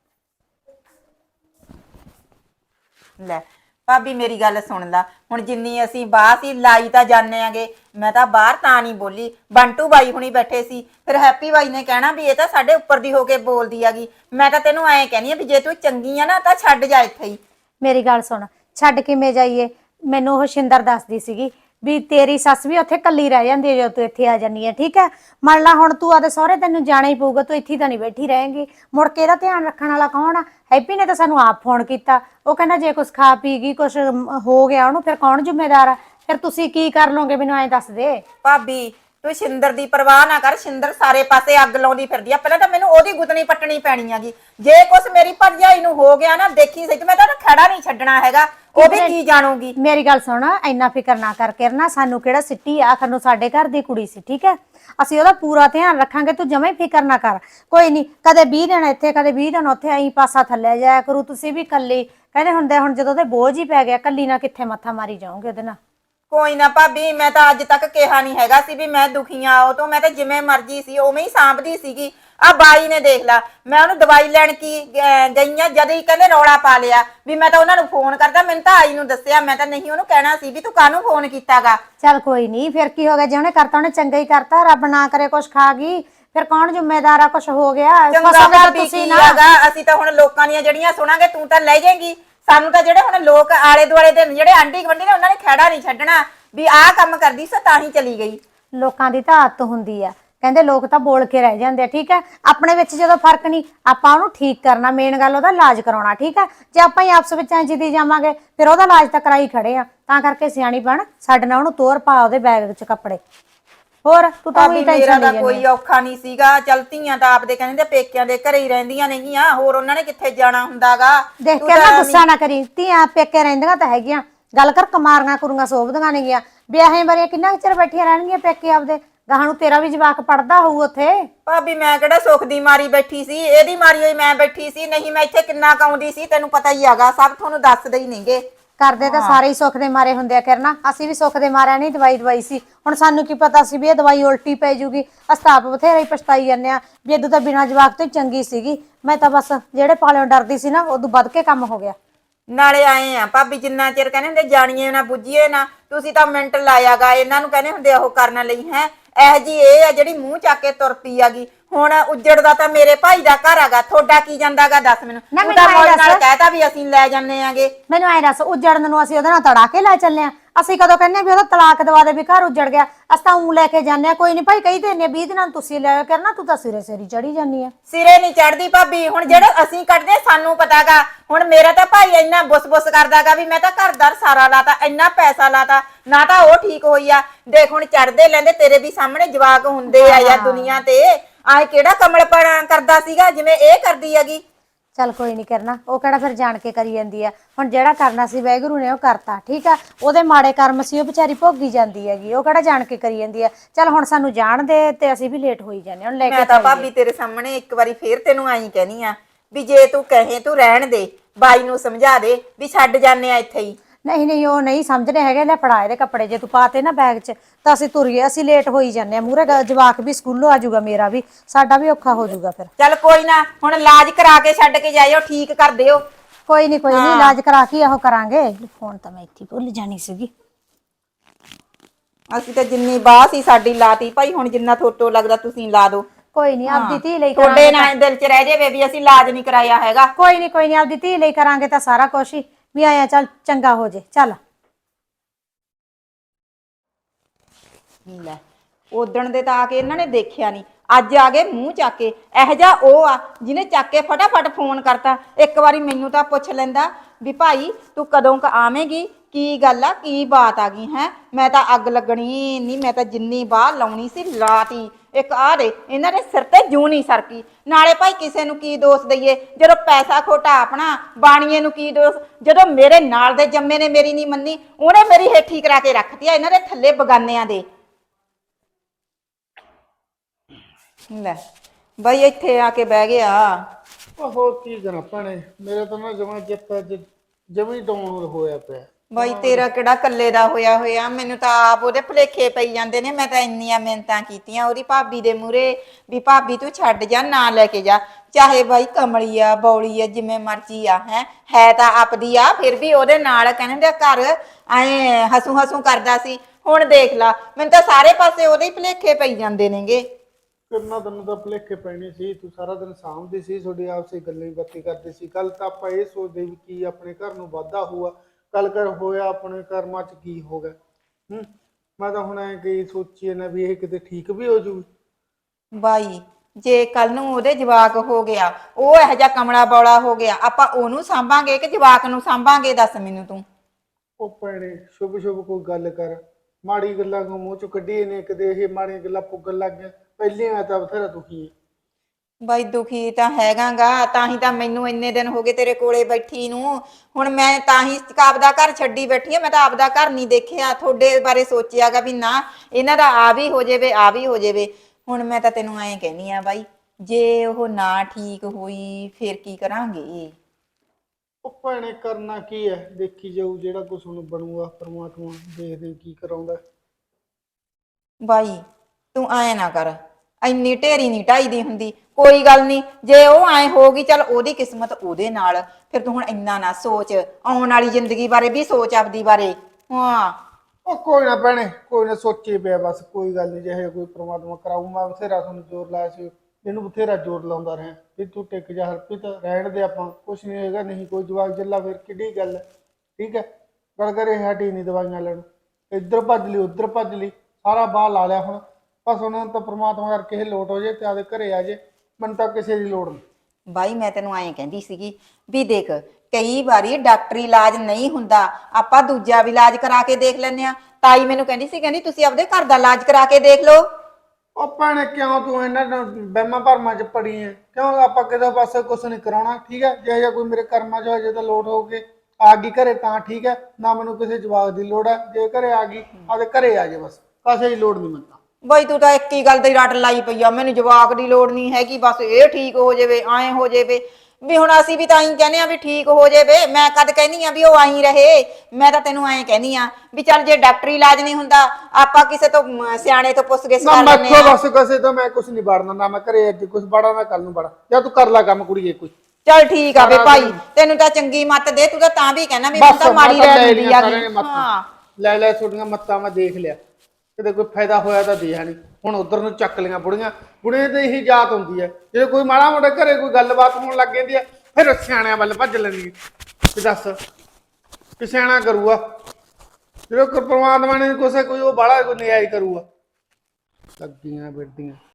Speaker 1: ਲੈ ਭਾਬੀ ਮੇਰੀ ਗੱਲ ਸੁਣ ਲਾ ਹੁਣ ਜਿੰਨੀ ਅਸੀਂ ਬਾਹਰ ਸੀ ਲਾਈ ਤਾਂ ਜਾਣੇ ਆਂਗੇ ਮੈਂ ਤਾਂ ਬਾਹਰ ਤਾਂ ਨਹੀਂ ਬੋਲੀ ਬੰਟੂ ਬਾਈ ਹੁਣੀ ਬੈਠੇ ਸੀ ਫਿਰ ਹੈਪੀ ਬਾਈ ਨੇ ਕਹਿਣਾ ਵੀ ਇਹ ਤਾਂ ਸਾਡੇ ਉੱਪਰ ਦੀ ਹੋ ਕੇ ਬੋਲਦੀ ਆਗੀ ਮੈਂ ਤਾਂ ਤੈਨੂੰ ਐਂ ਕਹਿਨੀ ਆ ਵੀ ਜੇ ਤੂੰ ਚੰਗੀ ਆ ਨਾ ਤਾਂ ਛੱਡ ਜਾ ਇੱਥੇ ਹੀ
Speaker 6: ਮੇਰੀ ਗੱਲ ਸੁਣ ਛੱਡ ਕਿਵੇਂ ਜਾਈਏ ਮੈਨੂੰ ਉਹ ਸ਼ਿੰਦਰ ਦੱਸਦੀ ਸੀਗੀ ਵੀ ਤੇਰੀ ਸੱਸ ਵੀ ਉੱਥੇ ਕੱਲੀ ਰਹਿ ਜਾਂਦੀ ਹੈ ਜਦੋਂ ਤੂੰ ਇੱਥੇ ਆ ਜਾਨੀ ਹੈ ਠੀਕ ਹੈ ਮੰਨ ਲਾ ਹੁਣ ਤੂੰ ਆਦੇ ਸਹੁਰੇ ਤੈਨੂੰ ਜਾਣਾ ਹੀ ਪਊਗਾ ਤੂੰ ਇੱਥੇ ਤਾਂ ਨਹੀਂ ਬੈਠੀ ਰਹੇਂਗੀ ਮੁੜ ਕੇ ਇਹਦਾ ਧਿਆਨ ਰੱਖਣ ਵਾਲਾ ਕੌਣ ਆ ਹੈਪੀ ਨੇ ਤਾਂ ਸਾਨੂੰ ਆਪ ਫੋਨ ਕੀਤਾ ਉਹ ਕਹਿੰਦਾ ਜੇ ਕੁਝ ਖਾ ਪੀ ਗਈ ਕੁਝ ਹੋ ਗਿਆ ਉਹਨੂੰ ਫਿਰ ਕੌਣ ਜ਼ਿੰਮੇਦਾਰ ਆ ਫਿਰ ਤੁਸੀਂ ਕੀ ਕਰ ਲਓਗੇ ਮੈਨੂੰ ਐਂ ਦੱਸ ਦੇ
Speaker 1: ਭਾਬੀ ਤੂੰ ਸ਼ਿੰਦਰ ਦੀ ਪਰਵਾਹ ਨਾ ਕਰ ਸ਼ਿੰਦਰ ਸਾਰੇ ਪਾਸੇ ਅੱਗ ਲਾਉਂਦੀ ਫਿਰਦੀ ਆ ਪਹਿਲਾਂ ਤਾਂ ਮੈਨੂੰ ਉਹਦੀ ਗੁੱਤਣੀ ਪੱਟਣੀ ਪੈਣੀ ਆਗੀ ਜੇ ਕੁਛ ਮੇਰੀ ਭਰਜਾਈ ਨੂੰ ਹੋ ਗਿਆ ਨਾ ਦੇਖੀ ਸਹੀ ਤੇ ਮੈਂ ਤਾਂ ਖੜਾ ਨਹੀਂ ਛੱਡਣਾ ਹੈਗਾ ਉਹ ਵੀ ਕੀ ਜਾਣੂਗੀ
Speaker 6: ਮੇਰੀ ਗੱਲ ਸੁਣ ਇੰਨਾ ਫਿਕਰ ਨਾ ਕਰ ਕਰਨਾ ਸਾਨੂੰ ਕਿਹੜਾ ਸਿੱਟੀ ਆਖਰ ਨੂੰ ਸਾਡੇ ਘਰ ਦੀ ਕੁੜੀ ਸੀ ਠੀਕ ਹੈ ਅਸੀਂ ਉਹਦਾ ਪੂਰਾ ਧਿਆਨ ਰੱਖਾਂਗੇ ਤੂੰ ਜਮਾਂ ਹੀ ਫਿਕਰ ਨਾ ਕਰ ਕੋਈ ਨਹੀਂ ਕਦੇ 20 ਦਿਨ ਇੱਥੇ ਕਦੇ 20 ਦਿਨ ਉੱਥੇ ਆਈ ਪਾਸਾ ਥੱਲੇ ਜਾਇਆ ਕਰੂ ਤੁਸੀਂ ਵੀ ਕੱਲੀ ਕਹਿੰਦੇ ਹੁੰਦੇ ਹੁਣ ਜਦੋਂ ਉਹਦੇ ਬੋਝ ਹੀ ਪੈ ਗਿਆ ਕੱਲੀ ਨਾ ਕਿੱਥੇ ਮੱਥਾ ਮਾਰੀ ਜਾਓਗੇ ਉਹਦੇ ਨਾਲ
Speaker 1: ਕੋਈ ਨਾ ਭਾਬੀ ਮੈਂ ਤਾਂ ਅੱਜ ਤੱਕ ਕਿਹਾ ਨਹੀਂ ਹੈਗਾ ਸੀ ਵੀ ਮੈਂ ਦੁਖੀ ਆ ਉਹ ਤੋਂ ਮੈਂ ਤਾਂ ਜਿਵੇਂ ਮਰਜ਼ੀ ਸੀ ਉਵੇਂ ਹੀ ਸਾਂਭਦੀ ਸੀਗੀ ਆ ਬਾਈ ਨੇ ਦੇਖ ਲਾ ਮੈਂ ਉਹਨੂੰ ਦਵਾਈ ਲੈਣ ਕੀ ਗਈਆਂ ਜਦ ਹੀ ਕਹਿੰਦੇ ਰੌਲਾ ਪਾ ਲਿਆ ਵੀ ਮੈਂ ਤਾਂ ਉਹਨਾਂ ਨੂੰ ਫੋਨ ਕਰਦਾ ਮੈਨੂੰ ਤਾਂ ਆਈ ਨੂੰ ਦੱਸਿਆ ਮੈਂ ਤਾਂ ਨਹੀਂ ਉਹਨੂੰ ਕਹਿਣਾ ਸੀ ਵੀ ਤੂੰ ਕਾਹਨੂੰ ਫੋਨ ਕੀਤਾਗਾ
Speaker 6: ਚੱਲ ਕੋਈ ਨਹੀਂ ਫਿਰ ਕੀ ਹੋ ਗਿਆ ਜੇ ਉਹਨੇ ਕਰਤਾ ਉਹਨੇ ਚੰਗਾ ਹੀ ਕਰਤਾ ਰੱਬ ਨਾ ਕਰੇ ਕੁਛ ਖਾ ਗਈ ਫਿਰ ਕੌਣ ਜ਼ਿੰਮੇਦਾਰ ਆ ਕੁਛ ਹੋ ਗਿਆ
Speaker 1: ਚੰਗਾ
Speaker 6: ਫਸੋਗੇ ਤਾਂ
Speaker 1: ਭਾਬੀ
Speaker 6: ਤੁਸੀਂ
Speaker 1: ਕੀ
Speaker 6: ਨਾ
Speaker 1: ਹੈਗਾ ਅਸੀਂ ਤਾਂ ਹੁਣ ਲੋਕਾਂ ਦੀਆਂ ਜਿਹੜੀਆਂ ਸੁਣਾਂਗੇ ਤੂੰ ਤਾਂ ਲੈ ਜਾਏਂਗੀ ਸਾਨੂੰ ਤਾਂ ਜਿਹੜੇ ਹੁਣ ਲੋਕ ਆਲੇ ਦੁਆਲੇ ਦੇ ਜਿਹੜੇ ਆਂਢੀ ਗੁਆਂਢੀ ਨੇ ਉਹਨਾਂ ਨੇ ਖਹਿੜਾ ਨਹੀਂ ਛੱਡਣਾ ਵੀ ਆਹ ਕੰਮ ਕਰਦੀ ਸੀ ਤਾਂ ਹੀ ਚਲੀ ਗਈ
Speaker 6: ਲੋਕਾਂ ਦੀ ਤਾਂ ਆਦਤ ਹੁੰਦੀ ਆ ਕਹਿੰਦੇ ਲੋਕ ਤਾਂ ਬੋਲ ਕੇ ਰਹਿ ਜਾਂਦੇ ਆ ਠੀਕ ਹੈ ਆਪਣੇ ਵਿੱਚ ਜਦੋਂ ਫਰਕ ਨਹੀਂ ਆਪਾਂ ਉਹਨੂੰ ਠੀਕ ਕਰਨਾ ਮੇਨ ਗੱਲ ਉਹਦਾ ਇਲਾਜ ਕਰਾਉਣਾ ਠੀਕ ਹੈ ਜੇ ਆਪਾਂ ਹੀ ਆਪਸ ਵਿੱਚ ਜਿੱਦੀ ਜਾਵਾਂਗੇ ਫਿਰ ਉਹਦਾ ਇਲਾਜ ਤਾਂ ਕਰਾਈ ਖੜੇ ਆ ਤਾਂ ਕਰਕੇ ਸਿਆਣੀ ਬਣ ਸਾਡੇ ਨਾਲ ਉਹਨੂੰ ਤੋਰ ਪਾ ਉਹਦੇ ਬੈਗ ਵਿੱਚ ਕੱਪੜੇ ਹੋਰ ਤੂੰ ਤਾਂ ਵੀ
Speaker 1: ਮੇਰਾ
Speaker 6: ਟੈਨਸ਼ਨ
Speaker 1: ਤਾਂ
Speaker 6: ਨਹੀਂ
Speaker 1: ਕੋਈ ਔਖਾ ਨਹੀਂ ਸੀਗਾ ਚਲਤੀਆਂ ਤਾਂ ਆਪਦੇ ਕਹਿੰਦੇ ਪੇਕਿਆਂ ਦੇ ਘਰੇ ਹੀ ਰਹਿੰਦੀਆਂ ਨੇਗੀਆਂ ਹੋਰ ਉਹਨਾਂ ਨੇ ਕਿੱਥੇ ਜਾਣਾ ਹੁੰਦਾਗਾ
Speaker 6: ਦੇਖ ਕੇ ਨਾ ਗੁੱਸਾ ਨਾ ਕਰੀ ਧੀਆਂ ਪੇਕੇ ਰਹਿੰਦੀਆਂ ਤਾਂ ਹੈਗੀਆਂ ਗੱਲ ਕਰ ਕਮਾਰੀਆਂ ਕੁੜੀਆਂ ਸੋਭਦੀਆਂ ਨੇਗੀਆਂ ਵਿਆਹੇ ਬਾਰੇ ਕਿੰਨਾ ਚਿਰ ਬੈਠੀਆਂ ਰਹਿਣਗੀਆਂ ਪੇਕੇ ਆਪਦੇ ਗਾਹਾਂ ਨੂੰ ਤੇਰਾ ਵੀ ਜਵਾਕ ਪੜਦਾ ਹੋਊ ਉੱਥੇ
Speaker 1: ਭਾਬੀ ਮੈਂ ਕਿਹੜਾ ਸੁੱਖ ਦੀ ਮਾਰੀ ਬੈਠੀ ਸੀ ਇਹਦੀ ਮਾਰੀ ਹੋਈ ਮੈਂ ਬੈਠੀ ਸੀ ਨਹੀਂ ਮੈਂ ਇੱਥੇ ਕਿੰਨਾ ਕਾਉਂਦੀ ਸੀ ਤੈਨੂੰ ਪਤਾ ਹੀ ਹੈਗਾ ਸਭ ਤੁਹਾਨੂੰ ਦੱਸਦੇ ਹੀ ਨਹੀਂਗੇ
Speaker 6: ਕਰਦੇ ਤਾਂ ਸਾਰੇ ਹੀ ਸੁੱਖ ਦੇ ਮਾਰੇ ਹੁੰਦੇ ਆ ਕਰਨਾ ਅਸੀਂ ਵੀ ਸੁੱਖ ਦੇ ਮਾਰਿਆ ਨਹੀਂ ਦਵਾਈ ਸੀ ਹੁਣ ਸਾਨੂੰ ਕੀ ਪਤਾ ਸੀ ਵੀ ਇਹ ਦਵਾਈ ਉਲਟੀ ਪੈ ਜੂਗੀ ਅਸੀਂ ਆਪ ਬਥੇਰਾ ਹੀ ਪਛਤਾਈ ਜਾਂਦੇ ਆ ਵੀ ਇਦੋਂ ਤਾਂ ਬਿਨਾਂ ਜਵਾਕ ਤੋਂ ਚੰਗੀ ਸੀਗੀ ਮੈਂ ਤਾਂ ਬਸ ਜਿਹੜੇ ਪਾਲਿਓਂ ਡਰਦੀ ਸੀ ਨਾ ਉਦੋਂ ਵੱਧ ਕੇ ਕੰਮ ਹੋ ਗਿਆ
Speaker 1: ਨਾਲੇ ਆਏ ਆ ਭਾਬੀ ਜਿੰਨਾ ਚਿਰ ਕਹਿੰਦੇ ਹੁੰਦੇ ਜਾਣੀਏ ਨਾ ਬੁੱਝੀਏ ਨਾ ਤੁਸੀਂ ਤਾਂ ਮਿੰਟ ਲਾਇਆਗਾ ਇਹਨਾਂ ਨੂੰ ਕਹਿੰਦੇ ਹੁੰਦੇ ਉਹ ਕਰਨ ਲਈ ਹੈ ਇਹ ਜੀ ਇਹ ਆ ਜਿਹੜੀ ਮੂੰਹ ਚੱਕ ਕੇ ਤੁਰ ਪਈ ਆਗੀ ਹੁਣ ਉੱਜੜਦਾ ਤਾਂ ਮੇਰੇ ਭਾਈ ਦਾ ਘਰ ਹੈਗਾ ਤੁਹਾਡਾ ਕੀ ਜਾਂਦਾਗਾ ਦੱਸ ਮੈਨੂੰ ਤੂੰ ਤਾਂ ਮੌਜ ਨਾਲ ਕਹਿਤਾ ਵੀ ਅਸੀਂ ਲੈ ਜਾਂਦੇ ਆਂਗੇ
Speaker 6: ਮੈਨੂੰ ਐ ਦੱਸ ਉੱਜੜਨ ਨੂੰ ਅਸੀਂ ਉਹਦੇ ਨਾਲ ਤੜਾ ਕੇ ਲੈ ਚੱਲੇ ਆ ਅਸੀਂ ਕਦੋਂ ਕਹਿੰਨੇ ਵੀ ਉਹਦਾ ਤਲਾਕ ਦਵਾ ਦੇ ਵੀ ਘਰ ਉੱਜੜ ਗਿਆ ਅਸੀਂ ਤਾਂ ਉਂ ਲੈ ਕੇ ਜਾਂਦੇ ਆ ਕੋਈ ਨਹੀਂ ਭਾਈ ਕਹੀ ਤੇ 20 ਦਿਨਾਂ ਤੁਸੀਂ ਲੈ ਕਰਨਾ ਤੂੰ ਤਾਂ ਸਿਰੇ ਸਿਰੀ ਚੜੀ ਜਾਂਦੀ ਆ
Speaker 1: ਸਿਰੇ ਨਹੀਂ ਚੜਦੀ ਭਾਬੀ ਹੁਣ ਜਿਹੜੇ ਅਸੀਂ ਕੱਢਦੇ ਸਾਨੂੰ ਪਤਾਗਾ ਹੁਣ ਮੇਰਾ ਤਾਂ ਭਾਈ ਇੰਨਾ ਬੁੱਸ-ਬੁੱਸ ਕਰਦਾਗਾ ਵੀ ਮੈਂ ਤਾਂ ਘਰ-ਦਰ ਸਾਰਾ ਲਾਤਾ, ਇੰਨਾ ਪੈਸਾ ਲਾਤਾ, ਨਾ ਤਾਂ ਉਹ ਠੀਕ ਹੋਈ ਆ। ਦੇਖ ਹੁਣ ਚੜਦੇ ਲੈਂਦੇ ਤੇਰੇ ਵੀ ਸਾਹਮਣੇ ਜਵਾਕ ਹੁੰਦੇ ਆ ਯਾਰ ਦੁਨੀਆ ਤੇ। ਆਏ ਕਿਹੜਾ ਕਮਲਪਣਾ ਕਰਦਾ ਸੀਗਾ ਜਿਵੇਂ ਇਹ ਕਰਦੀ ਹੈਗੀ।
Speaker 6: ਚੱਲ ਕੋਈ ਨਹੀਂ ਕਰਨਾ, ਉਹ ਕਿਹੜਾ ਫਿਰ ਜਾਣ ਕੇ ਕਰੀ ਜਾਂਦੀ ਆ। ਹੁਣ ਜਿਹੜਾ ਕਰਨਾ ਸੀ ਵਾਹਿਗੁਰੂ ਨੇ ਉਹ ਕਰਤਾ, ਠੀਕ ਆ। ਉਹਦੇ ਮਾੜੇ ਕਰਮ ਸੀ, ਉਹ ਵਿਚਾਰੀ ਭੋਗੀ ਜਾਂਦੀ ਹੈਗੀ, ਉਹ ਕਿਹੜਾ ਜਾਣ ਕੇ ਕਰੀ ਜਾਂਦੀ ਆ। ਚੱਲ ਹੁਣ ਸਾਨੂੰ ਜਾਣ ਦੇ ਤੇ ਅਸੀਂ ਵੀ ਲੇਟ ਹੋਈ ਜਾਂਦੇ ਹਾਂ। ਹੁਣ ਲੈ ਕੇ
Speaker 1: ਮੈਂ ਤਾਂ ਭਾਬੀ ਤੇਰੇ ਸਾਹਮਣੇ ਇੱਕ ਵਾਰੀ ਫੇਰ ਤੈਨੂੰ ਆਈ ਕਹਿਨੀ ਆ ਵੀ ਜੇ ਤੂੰ ਕਹੇ ਤੂੰ ਰਹਿਣ ਦੇ, ਬਾਈ ਨੂੰ ਸਮਝਾ ਦੇ ਵੀ ਛੱਡ ਜਾਂਦੇ ਆ ਇੱਥੇ ਹੀ।
Speaker 6: ਨਹੀਂ ਨਹੀਂ, ਉਹ ਨਹੀਂ ਸਮਝਣੇ ਹੈਗੇ। ਲੈ ਫੜਾ ਇਹਦੇ ਕੱਪੜੇ, ਜੇ ਤੂੰ ਪਾਤੇ ਨਾ ਬੈਗ 'ਚ ਤਾਂ ਅਸੀਂ ਤੁਰੀਏ, ਅਸੀਂ ਲੇਟ ਹੋਈ ਜਾਂਦੇ ਆ। ਮੂਹਰੇ ਜਵਾਕ ਵੀ ਸਕੂਲੋਂ ਆ ਜਾਊਗਾ, ਮੇਰਾ ਵੀ, ਸਾਡਾ ਵੀ ਔਖਾ ਹੋ ਜਾਊਗਾ ਫਿਰ।
Speaker 1: ਚੱਲ ਕੋਈ ਨਾ, ਹੁਣ ਇਲਾਜ ਕਰਾ ਕੇ ਛੱਡ ਕੇ ਜਾਇਓ, ਠੀਕ ਕਰ ਦਿਓ।
Speaker 6: ਕੋਈ ਨਹੀਂ ਇਲਾਜ ਕਰਾ ਕੇ ਉਹ ਕਰਾਂਗੇ। ਫੋਨ ਤਾਂ ਮੈਂ ਇੱਥੇ ਭੁੱਲ ਜਾਣੀ ਸੀਗੀ।
Speaker 1: ਅਸੀਂ ਤਾਂ ਜਿੰਨੀ ਬਾਹ ਸੀ ਸਾਡੀ ਲਾਤੀ ਭਾਈ, ਹੁਣ ਜਿੰਨਾ ਥੋਟੋ ਲੱਗਦਾ ਤੁਸੀਂ ਲਾ ਦਿਓ।
Speaker 6: ਕੋਈ ਨਹੀਂ, ਆਪਦੀ ਧੀ ਲਈ
Speaker 1: ਤੁਹਾਡੇ
Speaker 6: ਕਰਾਂਗੇ।
Speaker 1: ਨਾਲ ਦਿਲ 'ਚ ਰਹਿ ਜਾਵੇ ਵੀ ਅਸੀਂ ਇਲਾਜ ਨਹੀਂ ਕਰਾਇਆ ਹੈਗਾ।
Speaker 6: ਕੋਈ ਨਹੀਂ, ਆਪਦੀ ਧੀ ਲਈ ਕਰਾਂਗੇ ਤਾਂ ਸਾਰਾ ਕੁਛ ਹੀ ਵੀ ਆਇਆ। ਚੱਲ ਚੰਗਾ ਹੋ ਜੇ, ਚੱਲ।
Speaker 1: ਲੈ ਉਦਣ ਦੇ ਤਾਂ ਆ ਕੇ ਇਹਨਾਂ ਨੇ ਦੇਖਿਆ ਨਹੀਂ, ਅੱਜ ਆ ਗਏ ਮੂੰਹ ਚੱਕ ਕੇ। ਇਹੋ ਜਿਹਾ ਉਹ ਆ ਜਿਹਨੇ ਚੱਕ ਕੇ ਫਟਾਫਟ ਫੋਨ ਕਰਤਾ। ਇੱਕ ਵਾਰੀ ਮੈਨੂੰ ਤਾਂ ਪੁੱਛ ਲੈਂਦਾ ਵੀ ਭਾਈ ਤੂੰ ਕਦੋਂ ਕ ਆਵੇਂਗੀ, ਕੀ ਗੱਲ ਆ, ਕੀ ਬਾਤ ਆ ਗਈ ਹੈ। ਮੈਂ ਤਾਂ ਅੱਗ ਲੱਗਣੀ ਨਹੀਂ, ਮੈਂ ਤਾਂ ਜਿੰਨੀ ਬਾਹ ਲਾਉਣੀ ਸੀ ਲਾਤੀ। ਇੱਕ ਆ ਦੇ ਇਹਨਾਂ ਦੇ ਸਿਰ ਤੇ ਜੂੰ ਨਹੀਂ ਸਰਕੀ। ਨਾਲੇ ਭਾਈ ਕਿਸੇ ਨੂੰ ਕੀ ਦੋਸ਼ ਦਈਏ, ਜਦੋਂ ਪੈਸਾ ਖੋਟਾ ਆਪਣਾ, ਬਾਣੀਏ ਨੂੰ ਕੀ ਦੋਸ਼। ਜਦੋਂ ਮੇਰੇ ਨਾਲ ਦੇ ਜੰਮੇ ਨੇ ਮੇਰੀ ਨਹੀਂ ਮੰਨੀ, ਉਹਨੇ ਮੇਰੀ ਹੇਠੀ ਕਰਾ ਕੇ ਰੱਖਤੀ ਆ ਇਹਨਾਂ ਦੇ ਥੱਲੇ ਬਗਾਨਿਆਂ ਦੇ। ਲੈ ਬਾਈ ਇੱਥੇ ਆ ਕੇ ਬਹਿ ਗਿਆ।
Speaker 4: ਉਹ ਹੋਰ ਕੀ ਕਰਾਂ ਭੈਣੇ, ਮੇਰੇ ਤਾਂ ਨਾ ਜਮਾਂ ਜਮੀ ਡਾਊਨ ਹੋਇਆ ਪਿਆ।
Speaker 1: ਬਾਈ ਤੇਰਾ ਕਿਹੜਾ ਕੱਲੇ ਦਾ ਹੋਇਆ, ਮੈਨੂੰ ਤਾਂ ਆਪ ਉਹਦੇ ਭੁਲੇਖੇ ਪਈ ਜਾਂਦੇ ਨੇ। ਮੈਂ ਤਾਂ ਇੰਨੀਆਂ ਮਿਹਨਤਾਂ ਕੀਤੀਆਂ ਉਹਦੀ ਭਾਬੀ ਦੇ ਮੂਹਰੇ ਵੀ ਭਾਬੀ ਤੂੰ ਛੱਡ ਜਾ, ਨਾ ਲੈ ਕੇ ਜਾ। ਚਾਹੇ ਬਾਈ ਕਮਲੀ ਆ, ਬੌਲੀ ਆ, ਜਿਵੇਂ ਮਰਜੀ ਆ, ਹੈ ਤਾਂ ਆਪਦੀ ਆ, ਫਿਰ ਵੀ ਉਹਦੇ ਨਾਲ ਕਹਿੰਦੇ ਘਰ ਐ ਹਸੂ ਕਰਦਾ ਸੀ। ਹੁਣ ਦੇਖ ਲਾ, ਮੈਨੂੰ ਤਾਂ ਸਾਰੇ ਪਾਸੇ ਉਹਦੇ ਹੀ ਭੁਲੇਖੇ ਪਈ ਜਾਂਦੇ ਨੇਗੇ।
Speaker 4: ਕਿੰਨਾ ਤੈਨੂੰ ਤਾਂ ਭੁਲੇਖੇ ਪੈਣੇ ਸੀ, ਤੂੰ ਸਾਰਾ ਦਿਨ ਸਾਂਭਦੀ ਸੀ, ਤੁਹਾਡੀ ਆਪਸੇ ਗੱਲਾਂ ਹੀ ਬਾਤਾਂ ਕਰਦੇ ਸੀ। ਕੱਲ ਤਾਂ ਆਪਾਂ ਇਹ ਸੋਚਦੇ ਵੀ ਕੀ ਆਪਣੇ ਘਰ ਨੂੰ ਵਾਧਾ ਹੋਊਗਾ, ਕੱਲ ਕਰ ਹੋਇਆ ਆਪਣੇ ਕਰਮਾਂ 'ਚ ਕੀ ਹੋ ਗਿਆ। ਮੈਂ ਤਾਂ ਹੁਣ ਐ ਕਿ ਸੋਚੀਏ ਨਾ ਵੀ ਇਹ ਕਿਤੇ ਠੀਕ ਵੀ ਹੋ ਜੂ।
Speaker 1: ਬਾਈ ਜੇ ਕੱਲ ਨੂੰ ਉਹਦੇ ਜਵਾਕ ਹੋ ਗਿਆ, ਉਹ ਇਹੋ ਜਿਹਾ ਕਮਲਾ ਬੌਲਾ ਹੋ ਗਿਆ, ਆਪਾਂ ਉਹਨੂੰ ਸਾਂਭਾਂਗੇ ਕਿ ਜਵਾਕ ਨੂੰ ਸਾਂਭਾਂਗੇ, ਦੱਸ ਮੈਨੂੰ ਤੂੰ।
Speaker 4: ਉਹ ਭੈਣੇ ਸ਼ੁਭ ਕੋਈ ਗੱਲ ਕਰ, ਮਾੜੀ ਗੱਲਾਂ ਨੂੰ ਮੂੰਹ 'ਚੋਂ ਕੱਢੀਏ ਨੇ, ਕਦੇ ਇਹ ਮਾੜੀਆਂ ਗੱਲਾਂ ਪੁੱਗਣ ਲੱਗ ਗਈਆਂ। ਪਹਿਲੇ ਮੈਂ ਤਾਂ ਬਥੇਰਾ ਦੁਖੀ ਹਾਂ।
Speaker 1: ਬਾਈ ਦੁਖੀ ਤਾਂ ਹੈਗਾਗਾ, ਤਾਂ ਹੀ ਤਾਂ ਮੈਨੂੰ ਇੰਨੇ ਦਿਨ ਹੋ ਗਏ ਤੇਰੇ ਕੋਲੇ ਬੈਠੀ ਨੂੰ। ਹੁਣ ਮੈਂ ਤਾਂ ਹੀ ਆਪਦਾ ਘਰ ਛੱਡੀ ਬੈਠੀ ਆ। ਮੈਂ ਤਾਂ ਆਪਦਾ ਘਰ ਨਹੀਂ ਦੇਖਿਆ, ਤੁਹਾਡੇ ਬਾਰੇ ਸੋਚਿਆਗਾ ਵੀ ਨਾ ਇਹਨਾਂ ਦਾ ਆ ਵੀ ਹੋ ਜਾਵੇ, ਆ ਵੀ ਹੋ ਜਾਵੇ। ਹੁਣ ਮੈਂ ਤਾਂ ਤੈਨੂੰ ਐਂ ਕਹਿਨੀ ਆ ਬਾਈ, ਜੇ ਉਹ ਨਾ ਠੀਕ ਹੋਈ ਫਿਰ ਕੀ ਕਰਾਂਗੇ।
Speaker 4: ਉਹ ਭੈਣੇ ਕਰਨਾ ਕੀ ਹੈ, ਦੇਖੀ ਜਾਊ, ਜਿਹੜਾ ਕੁਛ ਹੁਣ ਬਣੂਗਾ ਪਰਮਾਤਮਾ ਦੇਖਦੇ ਕੀ ਕਰਾਉਂਦਾ।
Speaker 1: ਬਾਈ ਤੂੰ ਐਂ ਨਾ ਕਰ, ਇੰਨੀ ਢੇਰੀ ਨਹੀਂ ਢਾਈ ਦੀ ਹੁੰਦੀ। ਕੋਈ ਗੱਲ ਨਹੀਂ, ਜੇ ਉਹ ਐਂ ਹੋਗੀ ਚੱਲ ਉਹਦੀ ਕਿਸਮਤ ਉਹਦੇ ਨਾਲ। ਫਿਰ ਤੂੰ ਹੁਣ ਇੰਨਾ ਨਾ ਸੋਚ, ਆਉਣ ਵਾਲੀ ਜ਼ਿੰਦਗੀ ਬਾਰੇ ਵੀ ਸੋਚ, ਆਪਦੀ ਬਾਰੇ। ਹਾਂ
Speaker 4: ਉਹ ਕੋਈ ਨਾ ਭੈਣੇ, ਕੋਈ ਨਾ ਸੋਚੀ ਪਿਆ, ਬਸ ਕੋਈ ਗੱਲ ਨਹੀਂ। ਜਿਹੇ ਕੋਈ ਪ੍ਰਮਾਤਮਾ ਕਰਾਊ, ਮੈਂ ਬਥੇਰਾ ਤੁਹਾਨੂੰ ਜ਼ੋਰ ਲਾਇਆ ਸੀ, ਇਹਨੂੰ ਬਥੇਰਾ ਜ਼ੋਰ ਲਾਉਂਦਾ ਰਿਹਾ ਵੀ ਤੂੰ ਟਿਕ ਜਾ ਹਰਪ੍ਰੀਤ, ਰਹਿਣ ਦੇ, ਆਪਾਂ ਕੁਛ ਨਹੀਂ ਹੋਏਗਾ। ਨਹੀਂ ਕੋਈ ਜਵਾਕ ਜੱਲਾ ਫਿਰ ਕਿੱਡੀ ਗੱਲ ਹੈ, ਠੀਕ ਹੈ। ਗੱਲ ਕਰੇ ਹਟੀ ਨਹੀਂ ਦਵਾਈਆਂ ਲੈਣ, ਇੱਧਰ ਭੱਜ ਲਈ ਉੱਧਰ ਭੱਜ ਲਈ, ਸਾਰਾ ਬਾਹ ਲਾ ਲਿਆ। ਹੁਣ ਬਸ ਉਹਨਾਂ ਨੂੰ ਤਾਂ ਪ੍ਰਮਾਤਮਾ ਕਰਕੇ ਇਹ ਲੋਟ ਹੋ ਜੇ ਤੇ ਆਦੇ ਘਰੇ ਆ ਜੇ, ਮੈਨੂੰ ਤਾਂ ਕਿਸੇ ਦੀ ਲੋੜ ਨਹੀਂ।
Speaker 1: ਬਾਈ ਮੈਂ ਤੈਨੂੰ ਐਂ ਕਹਿੰਦੀ ਸੀਗੀ ਵੀ ਦੇਖ, ਕਈ ਵਾਰੀ ਡਾਕਟਰੀ ਇਲਾਜ ਨਹੀਂ ਹੁੰਦਾ, ਆਪਾਂ ਦੂਜਾ ਵੀ ਇਲਾਜ ਕਰਾ ਕੇ ਦੇਖ ਲੈਂਦੇ ਆ। ਤਾਈ ਮੈਨੂੰ ਕਹਿੰਦੀ ਸੀ, ਕਹਿੰਦੀ ਤੁਸੀਂ ਆਪਦੇ ਘਰ ਦਾ ਇਲਾਜ ਕਰਾ ਕੇ ਦੇਖ ਲਓ।
Speaker 4: ਉਹ ਭੈਣੇ ਕਿਉਂ ਤੂੰ ਇਹਨਾਂ ਵਹਿਮਾਂ ਭਰਮਾਂ 'ਚ ਪੜੀ ਹੈ, ਕਿਉਂ? ਆਪਾਂ ਕਿਸੇ ਪਾਸੇ ਕੁਛ ਨਹੀਂ ਕਰਾਉਣਾ, ਠੀਕ ਹੈ। ਜੇ ਜਾਂ ਕੋਈ ਮੇਰੇ ਕਰਮਾਂ 'ਚ ਹੋ ਜੇ ਤਾਂ ਲੋਟ ਹੋ ਕੇ ਆ ਗਈ ਘਰੇ ਤਾਂ ਠੀਕ ਹੈ, ਨਾ ਮੈਨੂੰ ਕਿਸੇ ਜਵਾਬ ਦੀ ਲੋੜ ਹੈ। ਜੇ ਘਰੇ ਆ ਗਈ ਆਪਦੇ ਘਰੇ ਆ ਜੇ, ਬਸ ਕਾਸੇ ਦੀ ਲੋੜ ਨਹੀਂ ਮੈਨੂੰ ਤਾਂ।
Speaker 1: ਬਾਈ ਤੂੰ ਤਾਂ ਇੱਕ ਹੀ ਗੱਲ ਦੀ ਰੱਟ ਲਾਈ ਪਈ ਆ, ਮੈਨੂੰ ਜਵਾਕ ਦੀ ਲੋੜ ਨਹੀਂ ਹੈਗੀ, ਬਸ ਇਹ ਠੀਕ ਹੋ ਜਾਵੇ, ਐਂ ਹੋ ਜਾਵੇ। ਵੀ ਹੁਣ ਅਸੀਂ ਵੀ ਤਾਂ ਹੀ ਕਹਿੰਦੇ ਆ ਵੀ ਠੀਕ ਹੋ ਜਾਵੇ। ਮੈਂ ਕਦ ਕਹਿੰਦੀ ਆ ਵੀ ਉਹ ਆਈ ਰਹੇ। ਮੈਂ ਤਾਂ ਤੈਨੂੰ ਐਂ ਕਹਿੰਦੀ ਆ ਵੀ ਚੱਲ ਜੇ ਡਾਕਟਰੀ ਇਲਾਜ ਨਹੀਂ ਹੁੰਦਾ, ਆਪਾਂ ਕਿਸੇ ਤੋਂ ਸਿਆਣੇ ਤੋਂ ਪੁੱਛ ਗਿੱਛ ਕਰ ਲੈਂਦੇ ਆ।
Speaker 4: ਬਸ ਕਿਸੇ ਤੋਂ ਮੈਂ ਕੁਛ ਨਹੀਂ ਵੜਨਾ, ਨਾ ਮੈਂ ਘਰੇ ਅੱਜ ਕੁਛ ਵੜਾ, ਨਾ ਕੱਲ ਨੂੰ ਵੜਾ। ਜਾਂ ਤੂੰ ਕਰ ਲੈ ਕੰਮ ਕੁੜੀਏ ਕੋਈ।
Speaker 1: ਚੱਲ ਠੀਕ ਆ ਵੇ ਭਾਈ, ਤੈਨੂੰ ਤਾਂ ਚੰਗੀ ਮੱਤ ਦੇ, ਤੂੰ ਤਾਂ ਵੀ ਕਹਿਣਾ ਵੀ ਮੈਨੂੰ ਤਾਂ ਮਾੜੀ ਰਹਿ ਦਿੰਦੀ ਆ। ਹਾਂ
Speaker 4: ਲੈ ਤੁਹਾਡੀਆਂ ਮੱਤਾਂ ਮੈਂ ਦੇਖ ਲਿਆ, ਕਿਤੇ ਕੋਈ ਫਾਇਦਾ ਹੋਇਆ ਤਾਂ ਦੇ ਨਹੀਂ। ਹੁਣ ਉਧਰ ਨੂੰ ਚੱਕ ਲਈਆਂ ਬੁੜੀਆਂ ਤੇ ਇਹੀ ਜਾਤ ਹੁੰਦੀ ਹੈ। ਜੇ ਕੋਈ ਮਾੜਾ ਮੋਟਾ ਘਰੇ ਕੋਈ ਗੱਲਬਾਤ ਹੋਣ ਲੱਗ ਜਾਂਦੀ ਹੈ, ਫਿਰ ਸਿਆਣਿਆਂ ਵੱਲ ਭੱਜ ਲੈਂਦੀ ਹੈ। ਦੱਸ ਕਿ ਸਿਆਣਾ ਕਰੂਗਾ ਜਦੋਂ ਪਰਮਾਤਮਾ ਨੇ ਕੁਛ ਕੋਈ ਉਹ ਬਾਹਲਾ ਕੋਈ ਨਿਆਈ ਕਰੂਗਾ। ਲੱਗੀਆਂ ਬੈਠੀਆਂ